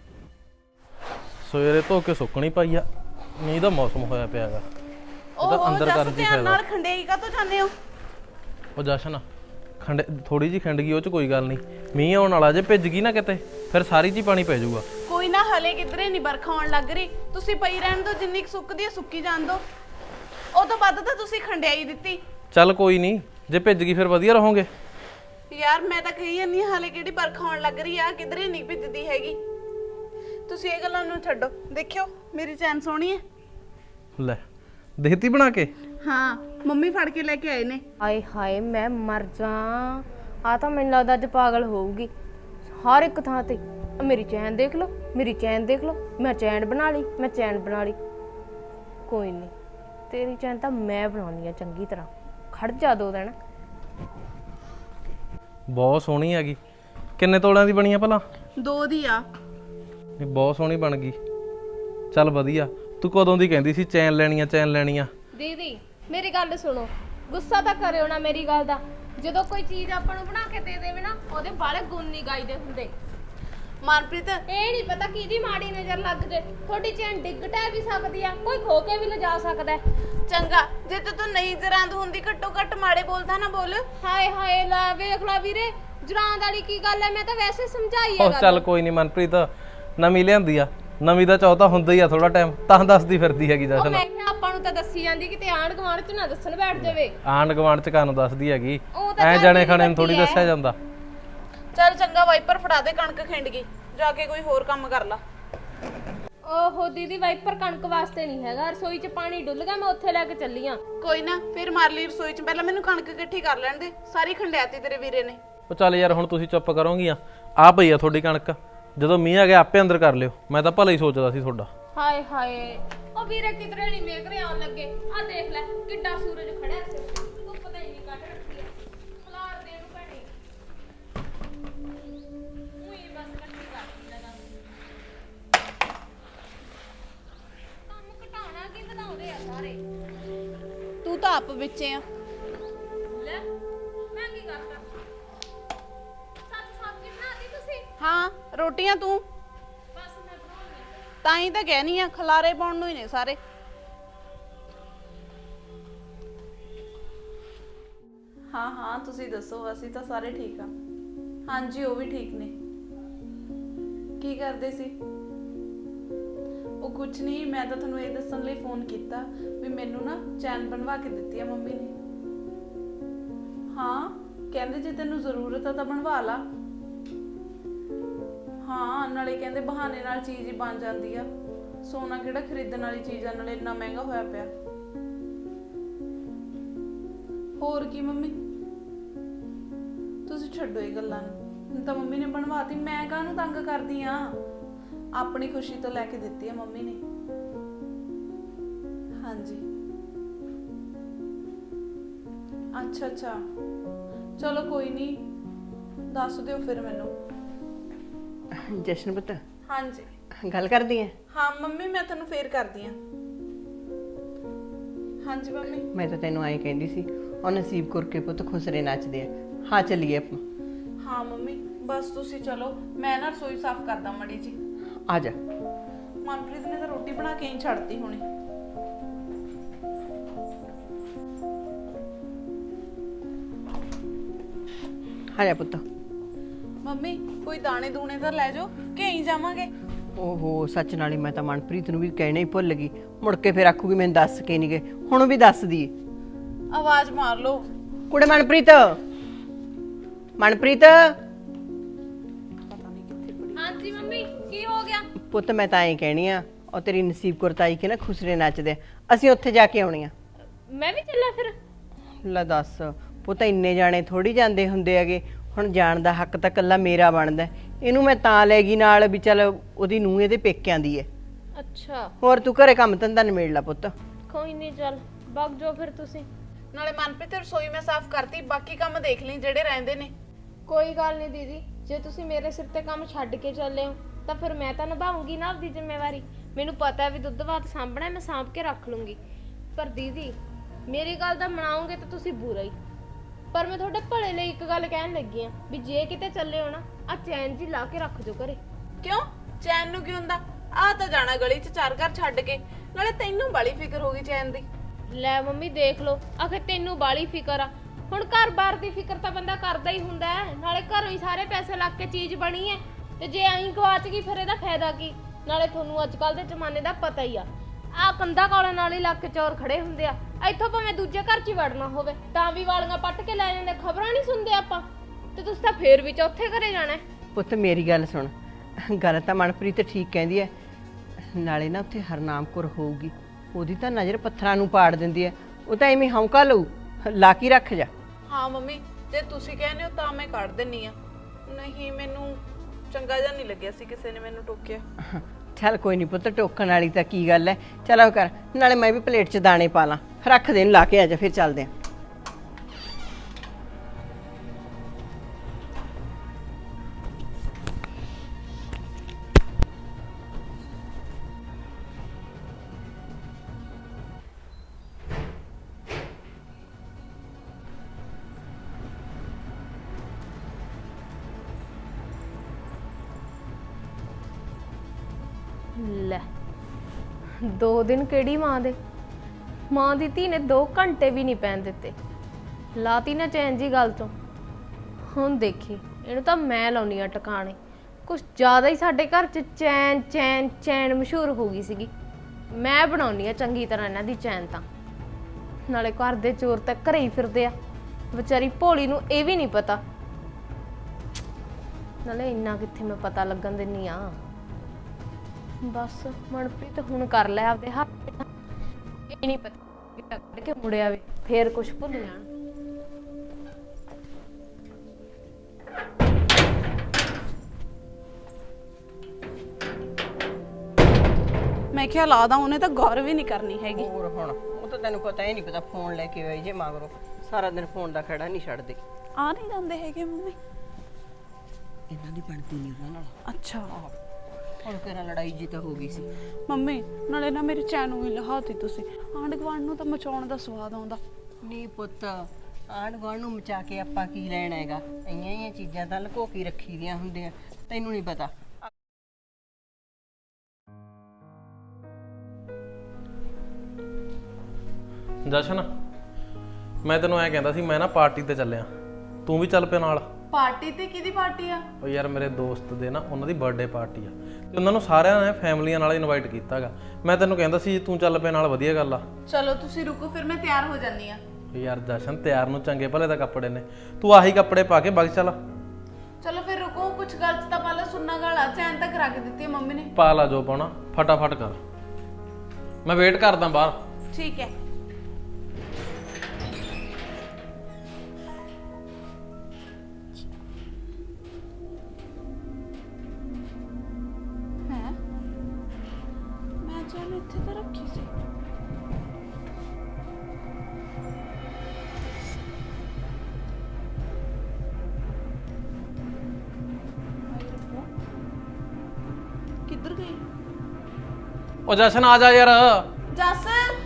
Speaker 4: ਸਵੇਰੇ ਧੋ ਕੇ ਸੁੱਕਣੀ ਪਾਈ ਆ, ਮੀਂਹ ਦਾ ਮੌਸਮ ਹੋਇਆ ਪਿਆ ਹੈਗਾ, ਇਹ ਤਾਂ ਅੰਦਰ ਕਰਨ ਦੀ ਫਾਇਦਾ।
Speaker 1: ਨਾਲ ਖੰਡੇਈ ਕਾ ਤੋਂ ਜਾਂਦੇ ਹੋ?
Speaker 4: ਉਹ ਜਸ਼ਨ ਖੰਡ ਥੋੜੀ ਜੀ ਖੰਡ ਗਈ, ਉਹ ਚ ਕੋਈ ਗੱਲ ਨਹੀਂ, ਮੀਂਹ ਆਉਣ ਵਾਲਾ, ਜੇ ਭਿੱਜ ਗਈ ਨਾ ਕਿਤੇ ਫਿਰ ਸਾਰੀ ਜੀ ਪਾਣੀ ਪੈ ਜਾਊਗਾ।
Speaker 1: ਕੋਈ ਨਾ, ਹਲੇ ਕਿਧਰੇ ਨਹੀਂ ਬਰਖਾ ਆਉਣ ਲੱਗ ਰਹੀ, ਤੁਸੀਂ ਪਈ ਰਹਿਣ ਦਿਓ, ਜਿੰਨੀ ਕੁ ਸੁੱਕਦੀ ਹੈ ਸੁੱਕੀ ਜਾਣ ਦਿਓ। ਉਹ ਤੋਂ ਵੱਧ ਤਾਂ ਤੁਸੀਂ ਖੰਡਿਆਈ ਦਿੱਤੀ।
Speaker 4: ਚੱਲ ਕੋਈ ਨਹੀਂ, ਜੇ ਭਿੱਜ ਗਈ ਫਿਰ ਵਧੀਆ ਰਹੋਗੇ।
Speaker 1: ਯਾਰ ਮੈਂ ਤਾਂ ਕਹੀ ਜਾਂਦੀ ਹਾਂ, ਹਲੇ ਕਿਹੜੀ ਬਰਖਾ ਆਉਣ ਲੱਗ ਰਹੀ ਆ, ਕਿਧਰੇ ਨਹੀਂ ਭਿੱਜਦੀ ਹੈਗੀ। ਤੁਸੀਂ ਇਹ ਗੱਲਾਂ ਨੂੰ ਛੱਡੋ, ਦੇਖਿਓ ਮੇਰੀ ਚੈਨ ਸੋਹਣੀ ਹੈ।
Speaker 4: ਲੈ ਦੇਤੀ ਬਣਾ ਕੇ?
Speaker 1: ਹਾਂ ਮੰਮੀ ਫੜ ਕੇ ਲੈ ਕੇ ਆਏ ਨੇ।
Speaker 3: ਹਾਏ ਹਾਏ ਮੈਂ ਮਰ ਜਾ, ਆ ਤਾਂ ਮੈਨੂੰ ਲੱਗਦਾ ਅੱਜ ਪਾਗਲ ਹੋਊਗੀ। ਹਰ ਇੱਕ ਥਾਂ ਤੇ ਮੇਰੀ ਚੈਨ ਦੇਖ ਲਓ, ਮੇਰੀ ਚੈਨ ਦੇਖ ਲਓ, ਮੈਂ ਚੈਨ ਬਣਾ ਲਈ, ਮੈਂ ਚੈਨ ਬਣਾ ਲਈ। ਕੋਈ ਨਹੀਂ, ਤੇਰੀ ਚੈਨ ਤਾਂ ਮੈਂ ਬਣਾਉਣੀ ਆ ਚੰਗੀ ਤਰ੍ਹਾਂ, ਖੜ ਜਾ 2 ਦਿਨ।
Speaker 4: ਬਹੁਤ ਸੋਹਣੀ ਹੈਗੀ। ਕਿੰਨੇ ਤੋਲਿਆਂ ਦੀ ਬਣੀ ਆ ਭਲਾ?
Speaker 1: 2 ਦੀ ਆ।
Speaker 4: ਬਹੁਤ ਸੋਹਣੀ ਬਣ ਗਈ। ਚੱਲ ਵਧੀਆ, ਤੂੰ ਕਦੋਂ ਦੀ ਕਹਿੰਦੀ ਸੀ ਚੈਨ ਲੈਣੀ ਆ।
Speaker 3: ਦੀਦੀ ਮੇਰੀ ਗੱਲ ਸੁਣੋ, ਗੁੱਸਾ ਤਾਂ ਕਰਿਓ ਨਾ ਮੇਰੀ ਗੱਲ ਦਾ। ਜਦੋਂ ਕੋਈ ਚੀਜ਼ ਆਪਾਂ ਨੂੰ ਬਣਾ ਕੇ ਦੇ ਦੇਵੇ ਨਾ, ਉਹਦੇ ਬਾਲੇ ਗੁਣ ਨਹੀਂ ਗਾਈਦੇ ਹੁੰਦੇ।
Speaker 1: ਮਨਪ੍ਰੀਤ
Speaker 3: ਇਹ ਨਹੀਂ ਪਤਾ ਕਿਹਦੀ ਮਾੜੀ ਨਜ਼ਰ ਲੱਗ ਜੇ, ਤੁਹਾਡੀ ਚੈਨ ਡਿੱਗ ਟੈ ਵੀ ਸਕਦੀ ਆ, ਕੋਈ ਖੋ ਕੇ ਵੀ ਲਿਜਾ ਸਕਦਾ ਹੈ।
Speaker 1: ਚੰਗਾ, ਜੇ ਤੂੰ ਨਹੀਂ ਜਰਾਂਦ ਹੁੰਦੀ ਘੱਟੋ ਘੱਟ ਮਾੜੇ ਬੋਲਦਾ ਨਾ ਬੋਲ।
Speaker 3: ਹਾਏ ਹਾਏ ਲੈ ਵੇਖ ਲਾ ਵੀਰੇ, ਜਰਾਂਦ ਵਾਲੀ ਕੀ ਗੱਲ ਹੈ, ਮੈਂ ਤਾਂ ਵੈਸੇ ਸਮਝਾਈ ਆ
Speaker 4: ਉਹ
Speaker 3: ਗੱਲ।
Speaker 4: ਚੱਲ ਕੋਈ ਨਹੀਂ ਮਨਪ੍ਰੀਤ, ਨਵੀਂ ਲਿਆਂਦੀ ਆ, ਨਵੀਂ ਦਾ ਚਾਹ ਤਾਂ ਹੁੰਦਾ ਹੀ ਆ ਥੋੜਾ ਟਾਈਮ, ਤਾਂ ਦੱਸਦੀ ਫਿਰਦੀ ਹੈਗੀ
Speaker 3: ਉਹ
Speaker 4: ਜਸ਼ਨ।
Speaker 3: ਮੈਂ ਕਿਹਾ ਆਪਾਂ ਨੂੰ ਤਾਂ ਦੱਸੀ ਜਾਂਦੀ, ਕਿਤੇ ਆਂਢ ਗੁਆਂਢ ਚ ਨਾ ਦੱਸਣ ਬੈਠ ਜਾਵੇ।
Speaker 4: ਆਂਢ ਗੁਆਂਢ ਚ ਕਾਨੂੰ ਦੱਸਦੀ ਹੈਗੀ,
Speaker 3: ਉਹ ਤਾਂ
Speaker 4: ਐ
Speaker 3: ਚੱਲ
Speaker 4: ਜਾਣੇ
Speaker 3: ਮੇਰੀ
Speaker 4: ਖਾਣੇ ਨੂੰ ਥੋੜੀ
Speaker 3: ਵੱਡੀ
Speaker 4: ਦੱਸਿਆ
Speaker 3: ਐ।
Speaker 4: ਜਾਂਦਾ।
Speaker 1: ਚੱਲ ਚੰਗਾ, ਵਾਈਪਰ ਫੜਾ ਦੇ, ਕਣਕ ਖਿੰਡ ਗਈ, ਜਾ ਕੇ ਕੋਈ ਹੋਰ ਕੰਮ ਕਰ ਲਾ।
Speaker 3: ਓਹੋ ਦੀਦੀ, ਵਾਈਪਰ ਕਣਕ ਵਾਸਤੇ ਨਹੀਂ ਹੈਗਾ, ਰਸੋਈ 'ਚ ਪਾਣੀ ਡੁੱਲ ਗਿਆ, ਮੈਂ ਉੱਥੇ ਲੈ ਕੇ ਚੱਲੀ ਆ।
Speaker 1: ਕੋਈ ਨਾ, ਫਿਰ ਮਾਰ ਲਈ ਰਸੋਈ 'ਚ, ਪਹਿਲਾਂ ਮੈਨੂੰ ਕਣਕ ਇਕੱਠੀ ਕਰ ਲੈਣ ਦੇ, ਸਾਰੀ ਖੰਡਿਆਤੀ ਤੇਰੇ ਵੀਰੇ ਨੇ।
Speaker 4: ਉਹ ਚੱਲ ਯਾਰ ਹੁਣ ਤੁਸੀਂ ਚੁੱਪ ਕਰੋਗੀਆਂ, ਆ ਪਈ ਆ ਤੁਹਾਡੀ ਕਣਕ, ਜਦੋਂ ਮੀਂਹ ਆ ਗਿਆ ਆਪੇ ਅੰਦਰ ਕਰ ਲਿਓ, ਮੈਂ ਤਾਂ ਭਲਾ ਹੀ ਸੋਚਦਾ ਸੀ ਤੁਹਾਡਾ।
Speaker 3: ਹਾਏ ਹਾਏ, ਉਹ ਵੀਰੇ ਕਿਧਰੇ ਨਹੀਂ ਵੇਖ ਰਿਹਾ ਆਉਣ ਲੱਗੇ। ਆ ਦੇਖ ਲੈ ਕਿੱਡਾ ਸੂਰਜ ਖੜਿਆ ਸੀ, ਤੂੰ ਪਤਾ ਹੀ ਨਹੀਂ ਕੱਢ ਰੱਖੀ ਆ, ਖਲਾਰ ਦੇ ਨੂੰ ਭੈਣੇ। ਉਹੀ ਬਸ ਕੱਟੀ ਕਰਦੀ ਲਗਾ, ਕੰਮ ਘਟਾਉਣਾ ਕੀ ਵਧਾਉਂਦੇ ਆ ਸਾਰੇ।
Speaker 1: ਤੂੰ ਤਾਂ ਆਪ ਵਿੱਚੇ ਆ।
Speaker 3: ਲੈ ਮੈਂ ਕੀ ਕਰਦਾ, ਸੱਚ ਸਬਜ਼ੀ ਬਣਾਤੀ ਤੁਸੀਂ?
Speaker 1: ਹਾਂ, ਰੋਟੀਆਂ ਤੂੰ
Speaker 3: ਬਸ ਮੈਂ ਬਣਾਉਣੀ।
Speaker 1: ਤਾਂ ਹੀ ਤਾਂ ਕਹਿਨੀ ਆ, ਖਲਾਰੇ ਪਾਉਣ ਨੂੰ ਹੀ ਨੇ ਸਾਰੇ। ਹਾਂ ਹਾਂ, ਤੁਸੀਂ ਦੱਸੋ, ਅਸੀਂ ਤਾਂ ਸਾਰੇ ਠੀਕ ਆ। ਹਾਂਜੀ, ਉਹ ਵੀ ਠੀਕ ਨੇ। ਕੀ ਕਰਦੇ ਸੀ? ਉਹ ਕੁਝ ਨਹੀਂ, ਮੈਂ ਤਾਂ ਤੁਹਾਨੂੰ ਇਹ ਦੱਸਣ ਲਈ ਫੋਨ ਕੀਤਾ ਵੀ ਮੈਨੂੰ ਨਾ ਚੈਨ ਬਣਵਾ ਕੇ ਦਿੱਤੀ ਆ ਮੰਮੀ ਨੇ। ਹਾਂ, ਕਹਿੰਦੇ ਜੇ ਤੈਨੂੰ ਜ਼ਰੂਰਤ ਆ ਤਾਂ ਬਣਵਾ ਲਾ। ਹਾਂ, ਨਾਲੇ ਕਹਿੰਦੇ ਬਹਾਨੇ ਨਾਲ ਚੀਜ਼ ਹੀ ਬਣ ਜਾਂਦੀ ਆ, ਸੋਨਾ ਕਿਹੜਾ ਖਰੀਦਣ ਵਾਲੀ ਚੀਜ਼ ਆ, ਨਾਲੇ ਇੰਨਾ ਮਹਿੰਗਾ ਹੋਇਆ ਪਿਆ। ਹੋਰ ਕੀ ਮੰਮੀ, ਤੁਸੀਂ ਛੱਡੋ ਇਹ ਗੱਲਾਂ ਨੂੰ, ਹੁਣ ਤਾਂ ਮੰਮੀ ਨੇ ਬਣਵਾਤੀ, ਮੈਂ ਕਾਹਨੂੰ ਤੰਗ ਕਰਦੀ ਆ। ਆਪਣੀ ਖੁਸ਼ੀ ਤੋਂ ਲੈ ਕੇ ਦਿੱਤੀ ਆ ਮੰਮੀ ਨੇ। ਹਾਂਜੀ, ਅੱਛਾ ਅੱਛਾ, ਚਲੋ ਕੋਈ ਨਹੀਂ, ਦੱਸ ਦਿਓ ਫਿਰ ਮੈਨੂੰ।
Speaker 2: ਜਸ਼ਨ ਪੁੱਤ
Speaker 1: ਹਾਂਜੀ
Speaker 2: ਗੱਲ ਕਰਦੀ ਐ?
Speaker 1: ਹਾਂ ਮੰਮੀ, ਮੈਂ ਤੁਹਾਨੂੰ ਫੇਰ ਕਰਦੀ ਆ। ਹਾਂਜੀ ਮੰਮੀ।
Speaker 2: ਮੈਂ ਤਾਂ ਤੈਨੂੰ ਐਂ ਕਹਿੰਦੀ ਸੀ, ਉਹ ਨਸੀਬ ਕੌਰ ਕੇ ਪੁੱਤ ਖੁਸਰੇ ਨੱਚਦੇ ਆ। ਹਾਂ ਚੱਲੀਏ ਆਪਾਂ।
Speaker 1: ਹਾਂ ਮੰਮੀ, ਬਸ ਤੁਸੀਂ ਚਲੋ, ਮੈਂ ਨਾ ਰਸੋਈ ਸਾਫ਼ ਕਰਦਾ ਮੜੀ ਜੀ।
Speaker 2: ਆ ਜਾ।
Speaker 1: ਮਨਪ੍ਰੀਤ ਨੇ ਤਾਂ ਰੋਟੀ ਬਣਾ ਕੇ ਹੀ ਛੱਡਤੀ ਹੋਣੀ।
Speaker 2: ਆ ਜਾ ਪੁੱਤ।
Speaker 1: ਮੰਮੀ, ਕੋਈ ਦਾਣੇ ਦੂਣੇ ਤਾਂ ਲੈ ਜਾਓ ਕਿ ਐਂ ਜਾਵਾਂਗੇ?
Speaker 2: ਓਹੋ ਸੱਚ, ਨਾਲੇ ਮੈਂ ਤਾਂ ਮਨਪ੍ਰੀਤ ਨੂੰ ਵੀ ਕਹਿਣਾ ਹੀ ਭੁੱਲ ਗਈ, ਮੁੜ ਕੇ ਫਿਰ ਆਖੂਗੀ ਮੈਨੂੰ ਦੱਸ ਕੇ ਨਹੀਂ ਗਏ, ਹੁਣ ਵੀ ਦੱਸਦੀ ਏ।
Speaker 1: ਆਵਾਜ਼ ਮਾਰ ਲਓ।
Speaker 2: ਕੁੜੇ ਮਨਪ੍ਰੀਤ, ਮਨਪ੍ਰੀਤ।
Speaker 1: ਪਤਾ ਨਹੀਂ ਕਿੱਥੇ ਪੜੀ।
Speaker 3: ਹਾਂਜੀ ਮੰਮੀ, ਕੀ ਹੋ ਗਿਆ?
Speaker 2: ਪੁੱਤ ਮੈਂ ਤਾਂ ਐਂ ਕਹਿਣੀ ਆ, ਉਹ ਤੇਰੀ ਨਸੀਬ ਕੌਰ ਤਾਈ ਕੇ ਨਾ ਖੁਸਰੇ ਨੱਚਦੇ ਆ, ਅਸੀਂ ਉੱਥੇ ਜਾ ਕੇ ਆਉਣੀ ਆ।
Speaker 3: ਮੈਂ ਵੀ ਚੱਲਾਂ ਫਿਰ?
Speaker 2: ਲੈ ਦੱਸ ਪੁੱਤ, ਇੰਨੇ ਜਾਣੇ ਥੋੜੀ ਜਾਂਦੇ ਹੁੰਦੇ ਹੈਗੇ, ਹੁਣ ਜਾਣ ਦਾ ਹੱਕ ਤਾਂ ਕੱਲਾ ਮੇਰਾ ਬਣਦਾ। ਇਹਨੂੰ ਮੈਂ ਤਾਂ ਲੈ ਗਈ ਨਾਲ ਵੀ ਚੱਲ ਉਹਦੀ ਨੂੰਹ ਇਹਦੇ ਪੇਕਿਆਂ ਦੀ ਹੈ।
Speaker 3: ਅੱਛਾ,
Speaker 2: ਹੋਰ ਤੂੰ ਘਰੇ ਕੰਮ ਧੰਦਾ ਨਿਬੇੜ ਲਾ ਪੁੱਤ।
Speaker 3: ਕੋਈ ਨਹੀਂ, ਚੱਲ ਵਗ ਜਾਓ ਫਿਰ ਤੁਸੀਂ।
Speaker 1: ਨਾਲੇ ਮਨਪ੍ਰੀਤ ਰਸੋਈ ਮੈਂ ਸਾਫ਼ ਕਰਤੀ, ਬਾਕੀ ਕੰਮ ਦੇਖ ਲਈ ਜਿਹੜੇ ਰਹਿੰਦੇ ਨੇ।
Speaker 3: ਕੋਈ ਗੱਲ ਨਹੀਂ ਦੀਦੀ, ਜੇ ਤੁਸੀਂ ਮੇਰੇ ਸਿਰ ਤੇ ਕੰਮ ਛੱਡ ਕੇ ਚੱਲੇ ਹੋ ਤਾਂ ਫਿਰ ਮੈਂ ਤਾਂ ਨਿਭਾਉਂਗੀ ਨਾ ਆਪਦੀ ਜ਼ਿੰਮੇਵਾਰੀ। ਮੈਨੂੰ ਪਤਾ ਹੈ ਵੀ ਦੁੱਧ ਭਾਤ ਸਾਂਭਣਾ, ਮੈਂ ਸਾਂਭ ਕੇ ਰੱਖ ਲੂੰਗੀ। ਪਰ ਦੀਦੀ ਮੇਰੀ ਗੱਲ ਦਾ ਮਨਾਓਗੇ ਤਾਂ ਤੁਸੀਂ ਬੁਰਾ ਹੀ। ਪਰ ਮੈਂ ਤੁਹਾਡੇ ਭਲੇ ਲਈ ਇੱਕ ਗੱਲ ਕਹਿਣ ਲੱਗੀ ਆ ਵੀ ਜੇ ਕਿਤੇ ਚੱਲੇ ਹੋ ਨਾ, ਆ ਚੈਨ ਜੀ ਲਾ ਕੇ ਰੱਖ ਜੋ ਘਰੇ।
Speaker 1: ਕਿਉਂ? ਚੈਨ ਨੂੰ ਕੀ ਹੁੰਦਾ? ਆ ਤਾਂ ਜਾਣਾ ਗਲੀ 'ਚ ਚਾਰ ਘਰ ਛੱਡ ਕੇ, ਨਾਲੇ ਤੈਨੂੰ ਬਾਲੀ ਫਿਕਰ ਹੋ ਗਈ ਚੈਨ ਦੀ।
Speaker 3: ਲੈ ਮੰਮੀ ਦੇਖ ਲਓ, ਆਖੇ ਤੈਨੂੰ ਬਾਲੀ ਫਿਕਰ ਆ। ਹੁਣ ਘਰ-ਬਾਰ ਦੀ ਫਿਕਰ ਤਾਂ ਬੰਦਾ ਕਰਦਾ ਹੀ ਹੁੰਦਾ ਹੈ, ਨਾਲੇ ਘਰੋਂ ਹੀ ਸਾਰੇ ਪੈਸੇ ਲੱਗ ਕੇ ਚੀਜ਼ ਬਣੀ ਹੈ, ਤੇ ਜੇ ਐਂ ਗਵਾਚ ਗਈ ਫਿਰ ਇਹਦਾ ਫਾਇਦਾ ਕੀ? ਨਾਲੇ ਤੁਹਾਨੂੰ ਅੱਜ ਕੱਲ ਦੇ ਜ਼ਮਾਨੇ ਦਾ ਪਤਾ ਹੀ ਆ ਕੰਧਾ ਕਾਲਾਂ ਨਾਲ ਹੀ ਲੱਗ ਕੇ ਚੋਰ ਖੜੇ ਹੁੰਦੇ ਆ। ਇੱਥੋਂ ਭਾਵੇਂ ਦੂਜੇ ਘਰ 'ਚ ਹੀ ਵੜਨਾ ਹੋਵੇ ਤਾਂ ਵੀ ਵਾਲੀਆਂ ਪੱਟ ਕੇ ਲੈ ਜਾਂਦੇ, ਖਬਰਾਂ ਨਹੀਂ ਸੁਣਦੇ ਆਪਾਂ, ਤੇ ਤੁਸੀਂ ਤਾਂ ਫੇਰ ਵੀ ਚੌਥੇ ਘਰੇ ਜਾਣਾ।
Speaker 2: ਪੁੱਤ ਮੇਰੀ ਗੱਲ ਸੁਣ, ਗੱਲ ਤਾਂ ਮਨਪ੍ਰੀਤ ਠੀਕ ਕਹਿੰਦੀ ਹੈ, ਨਾਲੇ ਨਾ ਉੱਥੇ ਹਰਨਾਮ ਕੌਰ ਹੋਊਗੀ, ਉਹਦੀ ਤਾਂ ਨਜ਼ਰ ਪੱਥਰਾਂ ਨੂੰ ਪਾੜ ਦਿੰਦੀ ਹੈ, ਉਹ ਤਾਂ ਐਵੇਂ ਹੌਂਕਾ ਲਊ, ਲਾ ਕੇ ਰੱਖ ਜਾ।
Speaker 1: ਹਾਂ ਮੰਮੀ, ਜੇ ਤੁਸੀਂ ਕਹਿੰਦੇ ਹੋ ਤਾਂ ਮੈਂ ਕੱਢ ਦਿੰਨੀ ਆ। ਨਹੀਂ, ਮੈਨੂੰ ਚੰਗਾ ਜਿਹਾ ਨਹੀਂ ਲੱਗਿਆ ਸੀ ਕਿਸੇ ਨੇ ਮੈਨੂੰ ਟੋਕਿਆ।
Speaker 2: ਚੱਲ ਕੋਈ ਨਹੀਂ ਪੁੱਤ, ਟੋਕਣ ਵਾਲੀ ਤਾਂ ਕੀ ਗੱਲ ਹੈ, ਚਲੋ ਕਰ, ਨਾਲੇ ਮੈਂ ਵੀ ਪਲੇਟ 'ਚ ਦਾਣੇ ਪਾ ਲਾਂ, ਰੱਖ ਦੇ, ਲਾ ਕੇ ਆ ਜਾ, ਫਿਰ ਚੱਲਦੇ ਆਂ।
Speaker 3: 2 ਦਿਨ ਕਿਹੜੀ ਮਾਂ ਦੇ? ਮਾਂ ਦੀ ਧੀ ਨੇ 2 ਘੰਟੇ ਵੀ ਨਹੀਂ ਪੈਣ ਦਿੱਤੇ। ਲਾਤੀ ਨਾ ਚੈਨ ਜੀ ਗੱਲ ਤੋਂ। ਹੁਣ ਦੇਖੀ ਇਹਨੂੰ ਤਾਂ ਮੈਂ ਲਾਉਣੀ ਆ ਟਿਕਾਣੇ। ਕੁਛ ਜ਼ਿਆਦਾ ਹੀ ਸਾਡੇ ਘਰ 'ਚ ਚੈਨ ਚੈਨ ਚੈਨ ਮਸ਼ਹੂਰ ਹੋ ਗਈ ਸੀਗੀ। ਮੈਂ ਬਣਾਉਣੀ ਆ ਚੰਗੀ ਤਰ੍ਹਾਂ ਇਹਨਾਂ ਦੀ ਚੈਨ। ਤਾਂ ਨਾਲੇ ਘਰ ਦੇ ਚੋਰ ਤਾਂ ਘਰੇ ਹੀ ਫਿਰਦੇ ਆ, ਵਿਚਾਰੀ ਭੋਲੀ ਨੂੰ ਇਹ ਵੀ ਨਹੀਂ ਪਤਾ। ਨਾਲੇ ਇੰਨਾ ਕਿੱਥੇ ਮੈਂ ਪਤਾ ਲੱਗਣ ਦਿੰਨੀ ਆ। ਬਸ ਮਨਪ੍ਰੀਤ ਹੁਣ ਕਰ ਲੈ ਆਪਦੇ ਹੱਥ। ਇਹ ਨਹੀਂ ਪਤਾ ਕਿ ਕੱਢ ਕੇ ਮੁੜਿਆ ਵੇ ਫੇਰ ਕੁਛ ਭੁੱਲ ਜਾਣ।
Speaker 1: ਮੈਂ ਕਿਹਾ ਲਾਦਾ, ਉਹਨੇ ਤਾਂ ਗੌਰ ਵੀ ਨਹੀਂ ਕਰਨੀ ਹੈਗੀ।
Speaker 2: ਹੋਰ ਹੁਣ ਉਹ ਤਾਂ ਤੈਨੂੰ ਪਤਾ ਹੀ ਨਹੀਂ ਪਤਾ ਫੋਨ ਲੈ ਕੇ ਆਈ ਜੇ ਮਗਰੋਂ ਸਾਰਾ ਦਿਨ ਫੋਨ ਦਾ ਖੜਾ ਨਹੀਂ ਛੱਡਦੇ।
Speaker 1: ਆ ਨਹੀਂ ਜਾਂਦੇ ਹੈਗੇ ਮੰਮੀ?
Speaker 2: ਇਹਨਾਂ ਦੀ ਬਣਦੀ ਨਹੀਂ ਉਹਨਾਂ ਨਾਲ।
Speaker 1: ਅੱਛਾ
Speaker 2: ਹੁਣ ਕਿਹੜਾ ਲੜਾਈ ਜੀ ਤਾਂ ਹੋ ਗਈ ਸੀ।
Speaker 1: ਮੰਮੀ ਨਾਲੇ ਨਾ ਮੇਰੀ ਚੈਨ ਨੂੰ ਵੀ ਲਹਾਤੀ ਤੁਸੀਂ। ਆਂਢ ਗੁਆਂਢ ਨੂੰ ਤਾਂ ਮਚਾਉਣ ਦਾ ਸਵਾਦ ਆਉਂਦਾ।
Speaker 2: ਨਹੀਂ ਪੁੱਤ, ਆਂਢ ਗੁਆਂਢ ਨੂੰ ਮਚਾ ਕੇ ਆਪਾਂ ਕੀ ਲੈਣਾ ਹੈਗਾ? ਇੰਨੀਆਂ ਹੀ ਚੀਜ਼ਾਂ ਤਾਂ ਲੁਕੋ ਕੇ ਰੱਖੀ ਦੀਆਂ ਹੁੰਦੀਆਂ, ਤੈਨੂੰ ਨਹੀਂ ਪਤਾ।
Speaker 4: ਜਸ਼ਨ, ਮੈਂ ਤੈਨੂੰ ਐ ਕਹਿੰਦਾ ਸੀ, ਮੈਂ ਨਾ ਪਾਰਟੀ ਤੇ ਚੱਲਿਆ, ਤੂੰ ਵੀ ਚੱਲ ਪਿਆ ਨਾਲ।
Speaker 1: ਪਾਰਟੀ ਤੇ ਕਿਹਦੀ ਪਾਰਟੀ ਆ?
Speaker 4: ਉਹ ਯਾਰ ਮੇਰੇ ਦੋਸਤ ਦੇ ਨਾ ਉਹਨਾਂ ਦੀ ਬਰਥਡੇ ਪਾਰਟੀ ਆ, ਤੇ ਉਹਨਾਂ ਨੂੰ ਸਾਰਿਆਂ ਨੇ ਫੈਮਲੀਆਂ ਨਾਲ ਇਨਵਾਈਟ ਕੀਤਾਗਾ। ਮੈਂ ਤੈਨੂੰ ਕਹਿੰਦਾ ਸੀ ਤੂੰ ਚੱਲ ਪਿਆ ਨਾਲ, ਵਧੀਆ ਗੱਲ ਆ।
Speaker 1: ਚਲੋ ਤੁਸੀਂ ਰੁਕੋ, ਫਿਰ ਮੈਂ ਤਿਆਰ ਹੋ ਜਾਂਦੀ ਆ।
Speaker 4: ਯਾਰ ਜਸ਼ਨ, ਤਿਆਰ ਨੂੰ ਚੰਗੇ ਭਲੇ ਦਾ ਕੱਪੜੇ ਨੇ, ਤੂੰ ਆਹੀ ਕੱਪੜੇ ਪਾ ਕੇ ਵਗ ਚੱਲ।
Speaker 1: ਚਲੋ ਫਿਰ ਰੁਕੋ, ਕੁਝ ਗੱਲ ਤਾਂ ਪਹਿਲਾਂ ਸੁਣਨਾ ਗਾਲਾ। ਚੈਨ ਤਾਂ ਕਰਾ ਕੇ ਦਿੱਤੀ ਹੈ ਮੰਮੀ ਨੇ।
Speaker 4: ਪਾ ਲਾ ਜੋ ਪਾਉਣਾ, ਫਟਾਫਟ ਕਰ, ਮੈਂ ਵੇਟ ਕਰਦਾ ਬਾਹਰ।
Speaker 1: ਠੀਕ ਹੈ। ਮੈਂ ਚੈਨ ਇੱਥੇ ਤਾਂ ਰੱਖੀ ਸੀ। ਕਿੱਧਰ ਗਈ?
Speaker 4: ਉਹ ਜਸ਼ਨ ਆ ਜਾ ਯਾਰ।
Speaker 1: ਜੱਸ,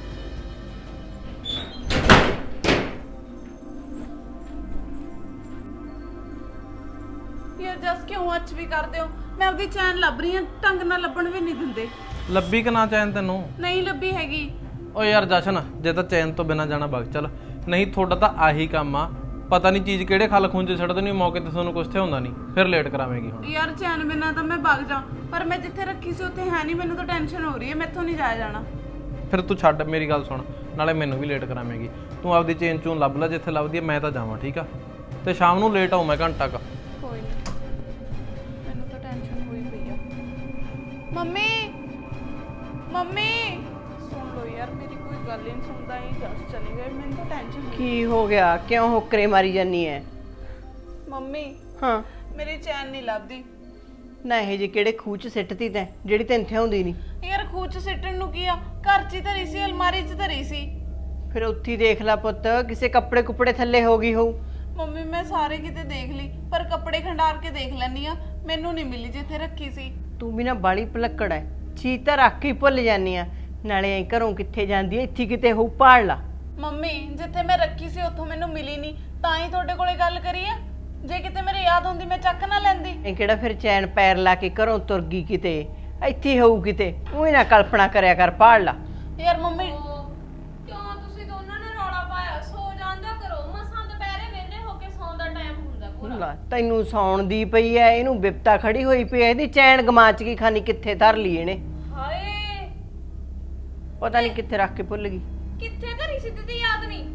Speaker 1: ਯਾਰ ਜੱਸ ਕਿਉਂ ਅੱਜ ਵੀ ਕਰਦੇ ਹੋ? ਮੈਂ ਆਪਦੀ ਚੈਨ ਲੱਭ ਰਹੀ ਹਾਂ, ਢੰਗ ਨਾਲ ਲੱਭਣ ਵੀ ਨਹੀਂ ਦਿੰਦੇ।
Speaker 4: ਲੱਭੀ ਕਿ ਨਾ ਚੈਨ ਤੈਨੂੰ?
Speaker 1: ਨਹੀਂ ਲੱਭੀ ਹੈਗੀ।
Speaker 4: ਓ ਯਾਰ ਜਸ਼ਨ, ਜੇ ਤਾਂ ਚੈਨ ਤੋਂ ਬਿਨਾਂ ਜਾਣਾ ਵਗ ਚੱਲ, ਨਹੀਂ ਤੁਹਾਡਾ ਤਾਂ ਆਹੀ ਕੰਮ ਆ। ਪਤਾ ਨਹੀਂ ਚੀਜ਼ ਕਿਹੜੇ ਖਲ ਖੁੰਝੇ ਛੱਡਦੇ ਨਹੀਂ, ਮੌਕੇ ਤੇ ਤੁਹਾਨੂੰ ਕੁਛ ਤੇ ਹੁੰਦਾ ਨਹੀਂ, ਫਿਰ ਲੇਟ ਕਰਾਵੇਂਗੀ ਹੁਣ।
Speaker 1: ਯਾਰ ਚੈਨ ਬਿਨਾਂ ਤਾਂ ਮੈਂ ਵਗ ਜਾ, ਪਰ ਮੈਂ ਜਿੱਥੇ ਰੱਖੀ ਸੀ ਉੱਥੇ ਹੈ ਨਹੀਂ। ਮੈਨੂੰ ਤਾਂ ਟੈਨਸ਼ਨ ਹੋ ਰਹੀ ਹੈ, ਮੈਥੋਂ ਨਹੀਂ ਜਾਇਆ ਜਾਣਾ।
Speaker 4: ਫਿਰ ਤੂੰ ਛੱਡ, ਮੇਰੀ ਗੱਲ ਸੁਣ, ਨਾਲੇ ਮੈਨੂੰ ਵੀ ਲੇਟ ਕਰਾਵੇਂਗੀ। ਤੂੰ ਆਪਦੀ ਚੇਨ ਚੂਨ ਲੱਭ ਲੈ ਜਿੱਥੇ ਲੱਭਦੀ ਹੈ, ਮੈਂ ਤਾਂ ਜਾਵਾਂ, ਠੀਕ ਆ? ਤੇ ਸ਼ਾਮ ਨੂੰ ਲੇਟ ਆਉਂ ਮੈਂ ਘੰਟਾ ਕ।
Speaker 1: ਕੋਈ ਨਹੀਂ, ਮੈਨੂੰ ਤਾਂ ਟੈਨਸ਼ਨ ਹੋਈ ਪਈ ਆ। ਮੰਮੀ, ਮੰਮੀ ਸੁਣ ਲਓ ਯਾਰ, ਮੇਰੀ ਕੋਈ ਗੱਲ ਹੀ ਨਹੀਂ ਸੁਣਦਾ। ਹੀ ਜਸ ਚਲੇ ਗਏ, ਮੈਨੂੰ ਤਾਂ ਟੈਨਸ਼ਨ।
Speaker 2: ਕੀ ਹੋ ਗਿਆ? ਕਿਉਂ ਹੋਕਰੇ ਮਾਰੀ ਜਾਨੀ ਐ?
Speaker 1: ਮੰਮੀ
Speaker 2: ਹਾਂ,
Speaker 1: ਮੇਰੀ ਚੈਨ ਨਹੀਂ ਲੱਭਦੀ।
Speaker 2: ਨਾ ਇਹ ਜੇ ਕਿਹੜੇ ਖੂਹ ਚ ਸਿੱਟਤੀ ਤੈਂ ਜਿਹੜੀ ਤੈਨੂੰ ਥਿਆਉਂਦੀ ਨਹੀਂ?
Speaker 1: ਯਾਰ ਖੂਹ 'ਚ ਸਿੱਟਣ ਨੂੰ ਕੀ ਆ? ਘਰ 'ਚ ਹੀ ਧਰੀ ਸੀ, ਅਲਮਾਰੀ 'ਚ ਧਰੀ ਸੀ।
Speaker 2: ਫਿਰ ਉੱਥੇ ਹੀ ਦੇਖ ਲੈ ਪੁੱਤ, ਕਿਸੇ ਕੱਪੜੇ ਕੁਪੜੇ ਥੱਲੇ ਹੋ ਗਈ ਹੋਊ।
Speaker 1: ਮੰਮੀ ਮੈਂ ਸਾਰੇ ਕਿਤੇ ਦੇਖ ਲਈ, ਪਰ ਕੱਪੜੇ ਖੰਡਾਰ ਕੇ ਦੇਖ ਲੈਣੀ ਆ, ਮੈਨੂੰ ਨਹੀਂ ਮਿਲੀ ਜਿੱਥੇ ਰੱਖੀ ਸੀ।
Speaker 2: ਤੂੰ ਵੀ ਨਾ ਬਾਲੀ ਭੁਲੱਕੜ ਐ, ਚੀਜ਼ ਤਾਂ ਰੱਖ ਕੇ ਹੀ ਭੁੱਲ ਜਾਨੀ ਆ। ਨਾਲੇ ਐਂ ਘਰੋਂ ਕਿੱਥੇ ਜਾਂਦੀ ਐ, ਇੱਥੇ ਕਿਤੇ ਹੋਊ, ਪਾੜ ਲਾ।
Speaker 1: ਮੰਮੀ ਜਿੱਥੇ ਮੈਂ ਰੱਖੀ ਸੀ ਉੱਥੋਂ ਮੈਨੂੰ ਮਿਲੀ ਨਹੀਂ, ਤਾਂ ਹੀ ਤੁਹਾਡੇ ਕੋਲੇ ਗੱਲ ਕਰੀ ਆ। ਜੇ ਕਿਤੇ ਮੇਰੇ ਯਾਦ ਹੁੰਦੀ ਮੈਂ ਚੱਕ ਨਾ ਲੈਂਦੀ।
Speaker 2: ਇਹ ਕਿਹੜਾ ਫਿਰ ਚੈਨ ਪੈਰ ਲਾ ਕੇ ਘਰੋਂ ਤੁਰ ਗਈ ਕਿਤੇ, ਇੱਥੇ ਹੋਊ ਕਿਤੇ। ਉਹ ਨਾ ਕਲਪਨਾ ਕਰਿਆ ਕਰ, ਪਾੜ ਲਾ।
Speaker 1: ਯਾਰ ਮੰਮੀ
Speaker 3: ਕਿਉਂ ਤੁਸੀਂ ਦੋਨਾਂ ਨੇ ਰੌਲਾ ਪਾਇਆ? ਸੋ ਜਾਂਦਾ ਕਰੋ, ਮਸਾਂ ਦੁਪਹਿਰੇ ਵਿਹਲੇ ਹੋ ਕੇ ਸੌਣ ਦਾ ਟਾਈਮ ਹੁੰਦਾ ਪੂਰਾ।
Speaker 2: ਲੈ, ਤੈਨੂੰ ਸੌਣ ਦੀ ਪਈ ਐ, ਇਹਨੂੰ ਬਿਪਤਾ ਖੜੀ ਹੋਈ ਪਈ ਐ। ਇਹਦੀ ਚੈਨ ਗਮਾਚ ਗਈ, ਖਾਨੀ ਕਿੱਥੇ ਧਰ ਲਈ ਇਹਨੇ,
Speaker 3: ਹਾਏ
Speaker 2: ਪਤਾ ਨਹੀਂ ਕਿੱਥੇ ਰੱਖ ਕੇ ਭੁੱਲ ਗਈ।
Speaker 3: ਕਿੱਥੇ ਧਰੀ ਸੀ ਤੇ ਯਾਦ ਨਹੀਂ?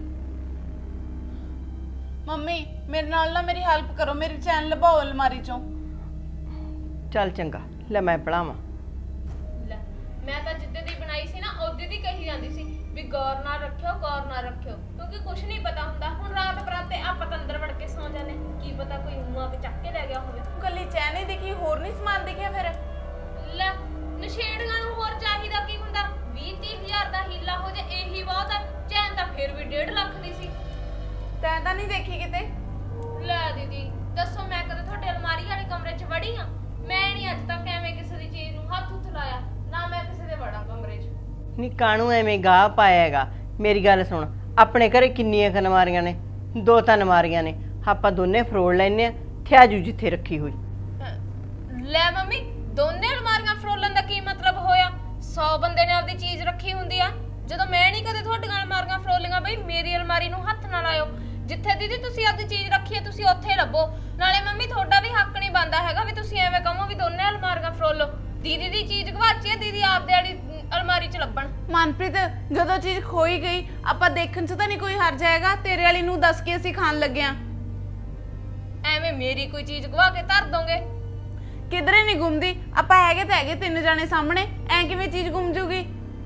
Speaker 1: ਮੰਮੀ ਮੇਰੇ ਨਾਲ ਨਾ ਮੇਰੀ ਹੈਲਪ ਕਰੋ, ਮੇਰੀ ਚੈਨ ਲਭਾਓ ਅਲਮਾਰੀ ਚੋਂ।
Speaker 2: ਚੱਲ ਚੰਗਾ, ਲੈ ਮੈਂ ਪੜਾਵਾਂ।
Speaker 3: ਲੈ, ਮੈਂ ਤਾਂ ਜਿੱਦੇ ਦੀ ਬਣਾਈ ਸੀ ਨਾ ਉਹਦੇ ਦੀ ਕਹੀ ਜਾਂਦੀ ਸੀ ਵੀ ਗੌਰ ਨਾਲ ਰੱਖਿਓ, ਗੌਰ ਨਾਲ ਰੱਖਿਓ, ਕਿਉਂਕਿ ਕੁਝ ਨਹੀਂ ਪਤਾ ਹੁੰਦਾ। ਹੁਣ ਰਾਤ ਬਰਾਤੇ ਆਪਾਂ ਤਾਂ ਅੰਦਰ ਵੜ ਕੇ ਸੌਂ ਜਾਂਦੇ, ਕੀ ਪਤਾ ਕੋਈ ਮੂੰਹ ਆ ਕੇ ਚੱਕ ਕੇ ਲੈ ਗਿਆ ਹੋਵੇ।
Speaker 1: ਕੱਲੀ ਚੈਨ ਹੀ ਦਿਖੀ, ਹੋਰ ਨਹੀਂ ਸਮਾਨ ਦਿਖਿਆ? ਫਿਰ
Speaker 3: ਲੈ, ਨਸ਼ੇੜੀਆਂ ਨੂੰ ਹੋਰ ਚਾਹੀਦਾ ਕੀ ਹੁੰਦਾ? 20-30 ਹਜ਼ਾਰ ਦਾ ਹੀਲਾ ਹੋ ਜੇ ਇਹੀ ਬਹੁਤ ਆ। ਚੈਨ ਤਾਂ ਫਿਰ ਵੀ 1.5 ਲੱਖ ਦੀ ਸੀ।
Speaker 1: ਤੈਂ ਤਾਂ ਨਹੀਂ ਦੇਖੀ ਕਿਤੇ?
Speaker 3: ਲੈ ਦੀਦੀ ਦੱਸੋ, ਮੈਂ ਕਦੇ ਤੁਹਾਡੇ ਅਲਮਾਰੀ ਵਾਲੇ ਕਮਰੇ 'ਚ ਵੜੀ ਆ? ਮੈਂ ਨਹੀਂ ਅੱਜ ਤੱਕ ਐਵੇਂ ਕਿਸੇ ਦੀ ਚੀਜ਼ ਨੂੰ ਹੱਥ ਉੱਤ ਲਾਇਆ, ਨਾ ਮੈਂ ਕਿਸੇ ਦੇ ਵੜਾਂ ਕਮਰੇ 'ਚ।
Speaker 2: ਨੀ ਕਾਣੂ ਐਵੇਂ ਗਾਹ ਪਾਇਆ ਹੈਗਾ? ਮੇਰੀ ਗੱਲ ਸੁਣ, ਆਪਣੇ ਘਰੇ ਕਿੰਨੀਆਂ ਅਲਮਾਰੀਆਂ ਨੇ? 2 ਤਾਂ ਅਲਮਾਰੀਆਂ ਨੇ, ਆਪਾਂ ਦੋਨੇ ਫਰੋੜ ਲੈਨੇ ਆ, ਥਿਆਜੂ ਜਿੱਥੇ ਰੱਖੀ ਹੋਈ।
Speaker 3: ਲੈ ਮੰਮੀ, ਦੋਨੇ ਅਲਮਾਰੀਆਂ ਫਰੋਲਣ ਦਾ ਕੀ ਮਤਲਬ ਹੋਇਆ? 100 ਬੰਦੇ ਨੇ ਆਪਦੀ ਚੀਜ਼ ਰੱਖੀ ਹੁੰਦੀ ਆ। ਜਦੋਂ ਮੈਂ ਨਹੀਂ ਕਦੇ ਤੁਹਾਡੀਆਂ ਅਲਮਾਰੀਆਂ ਫਰੋਲੀਆਂ ਬਈ, ਮੇਰੀ ਅਲਮਾਰੀ ਨੂੰ ਹੱਥ ਨਾ ਲਾਇਓ। ਜਿੱਥੇ ਦੀਦੀ ਤੁਸੀਂ ਆਪਦੀ ਚੀਜ਼ ਰੱਖੀ ਹੈ ਤੁਸੀਂ ਉੱਥੇ ਲੱਭੋ। ਨਾਲੇ ਮੰਮੀ ਤੁਹਾਡਾ ਵੀ ਹੱਕ ਨਹੀਂ ਬਣਦਾ ਹੈਗਾ ਵੀ ਤੁਸੀਂ ਐਵੇਂ ਕਹੋ ਵੀ ਦੋਨੇ ਅਲਮਾਰੀਆਂ ਫਰੋਲੋ। ਦੀਦੀ ਦੀ ਚੀਜ਼ ਗਵਾਚੀ ਹੈ, ਦੀਦੀ ਆਪਦੇ ਵਾਲੀ ਅਲਮਾਰੀ 'ਚ ਲੱਭਣ।
Speaker 1: ਮਨਪ੍ਰੀਤ, ਜਦੋਂ ਚੀਜ਼ ਖੋਈ ਗਈ ਆਪਾਂ ਦੇਖਣ 'ਚ ਤਾਂ ਨਹੀਂ ਕੋਈ ਹਰ ਜਾਏਗਾ। ਤੇਰੇ ਵਾਲੀ ਨੂੰ ਦੱਸ ਕੇ ਅਸੀਂ ਖਾਣ ਲੱਗੇ ਆਂ।
Speaker 3: ਐਵੇਂ ਮੇਰੀ ਕੋਈ ਚੀਜ਼ ਗਵਾ ਕੇ ਧਰ ਦੋਗੇ?
Speaker 1: ਕਿਧਰੇ ਨਹੀਂ ਗੁੰਮਦੀ। ਆਪਾਂ ਹੈਗੇ ਤਾਂ ਹੈਗੇ 3 ਜਾਣੇ ਸਾਹਮਣੇ, ਐ ਕਿਵੇਂ ਚੀਜ਼ ਗੁੰਮ ਜੂਗੀ?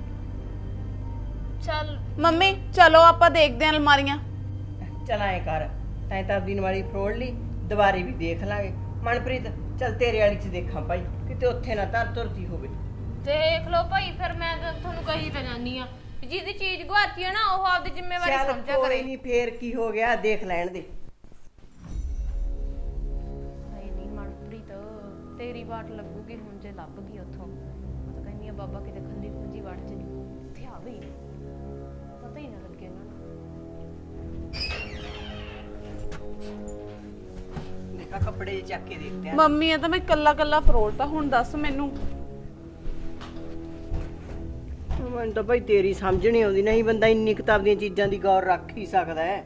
Speaker 3: ਚੱਲ
Speaker 1: ਮੰਮੀ ਚਲੋ ਆਪਾਂ ਦੇਖਦੇ ਆਂ ਅਲਮਾਰੀਆਂ।
Speaker 2: ਚਲ ਐ ਕਰ, ਤੈਂ ਤਾਂ ਆਪਦੀ ਵਾਲੀ ਫਰੋੜ ਲਈ, ਦੁਬਾਰੇ ਵੀ ਦੇਖ ਲਾਂਗੇ। ਮਨਪ੍ਰੀਤ ਚੱਲ ਤੇਰੇ ਵਾਲੀ 'ਚ ਦੇਖਾਂ ਭਾਈ, ਕਿਤੇ ਉੱਥੇ ਨਾ ਧਰ ਤੁਰਦੀ ਹੋਵੇ।
Speaker 3: ਦੇਖ ਲਓ ਭਾਈ, ਫਿਰ ਮੈਂ ਤਾਂ ਤੁਹਾਨੂੰ ਕਹੀ ਤਾਂ ਜਾਨੀ ਆ ਜਿਹਦੀ ਚੀਜ਼ ਗਵਾਚੀ ਹੈ ਨਾ ਉਹ ਆਪਦੀ ਜ਼ਿੰਮੇਵਾਰੀ
Speaker 2: ਚੱਲ
Speaker 3: ਸਮਝਿਆ
Speaker 2: ਕੋਈ
Speaker 3: ਕਰੇ।
Speaker 2: ਨਹੀਂ, ਫੇਰ ਕੀ ਹੋ ਗਿਆ, ਦੇਖ ਲੈਣ ਦੇ।
Speaker 3: ਹਾਏ ਨਹੀਂ ਮਨਪ੍ਰੀਤ, ਤੇਰੀ ਬਾਟ ਲੱਗੂਗੀ ਹੁਣ ਜੇ ਲੱਭ ਗਈ ਉੱਥੋਂ। ਮੈਂ ਤਾਂ ਕਹਿੰਦੀ ਆ ਬਾਬਾ ਕਿਤੇ ਖੱਲੀ ਖੁੰਜੀ ਵੜ ਚ ਨਹੀਂ ਇੱਥੇ ਆਵੇ ਹੀ ਨਾ, ਪਤਾ ਹੀ ਨਾ ਲੱਗੇ ਉਹਨਾਂ ਨੂੰ।
Speaker 2: ਦੇਖਾ ਕੱਪੜੇ ਜਿਹੇ ਚੱਕ ਕੇ ਦੇਖਦੇ ਆ।
Speaker 1: ਮੰਮੀ ਆ ਤਾਂ ਮੈਂ ਕੱਲਾ ਕੱਲਾ ਫਰੋਲਤਾ, ਹੁਣ ਦੱਸ ਮੈਨੂੰ।
Speaker 2: ਮੈਨੂੰ ਤਾਂ ਭਾਈ ਤੇਰੀ ਸਮਝ ਨਹੀਂ ਆਉਂਦੀ, ਨਹੀਂ ਬੰਦਾ ਇੰਨੀ ਕਿਤਾਬ ਦੀਆਂ ਚੀਜ਼ਾਂ ਦੀ ਗੌਰ ਰੱਖ ਹੀ ਸਕਦਾ ਹੈ।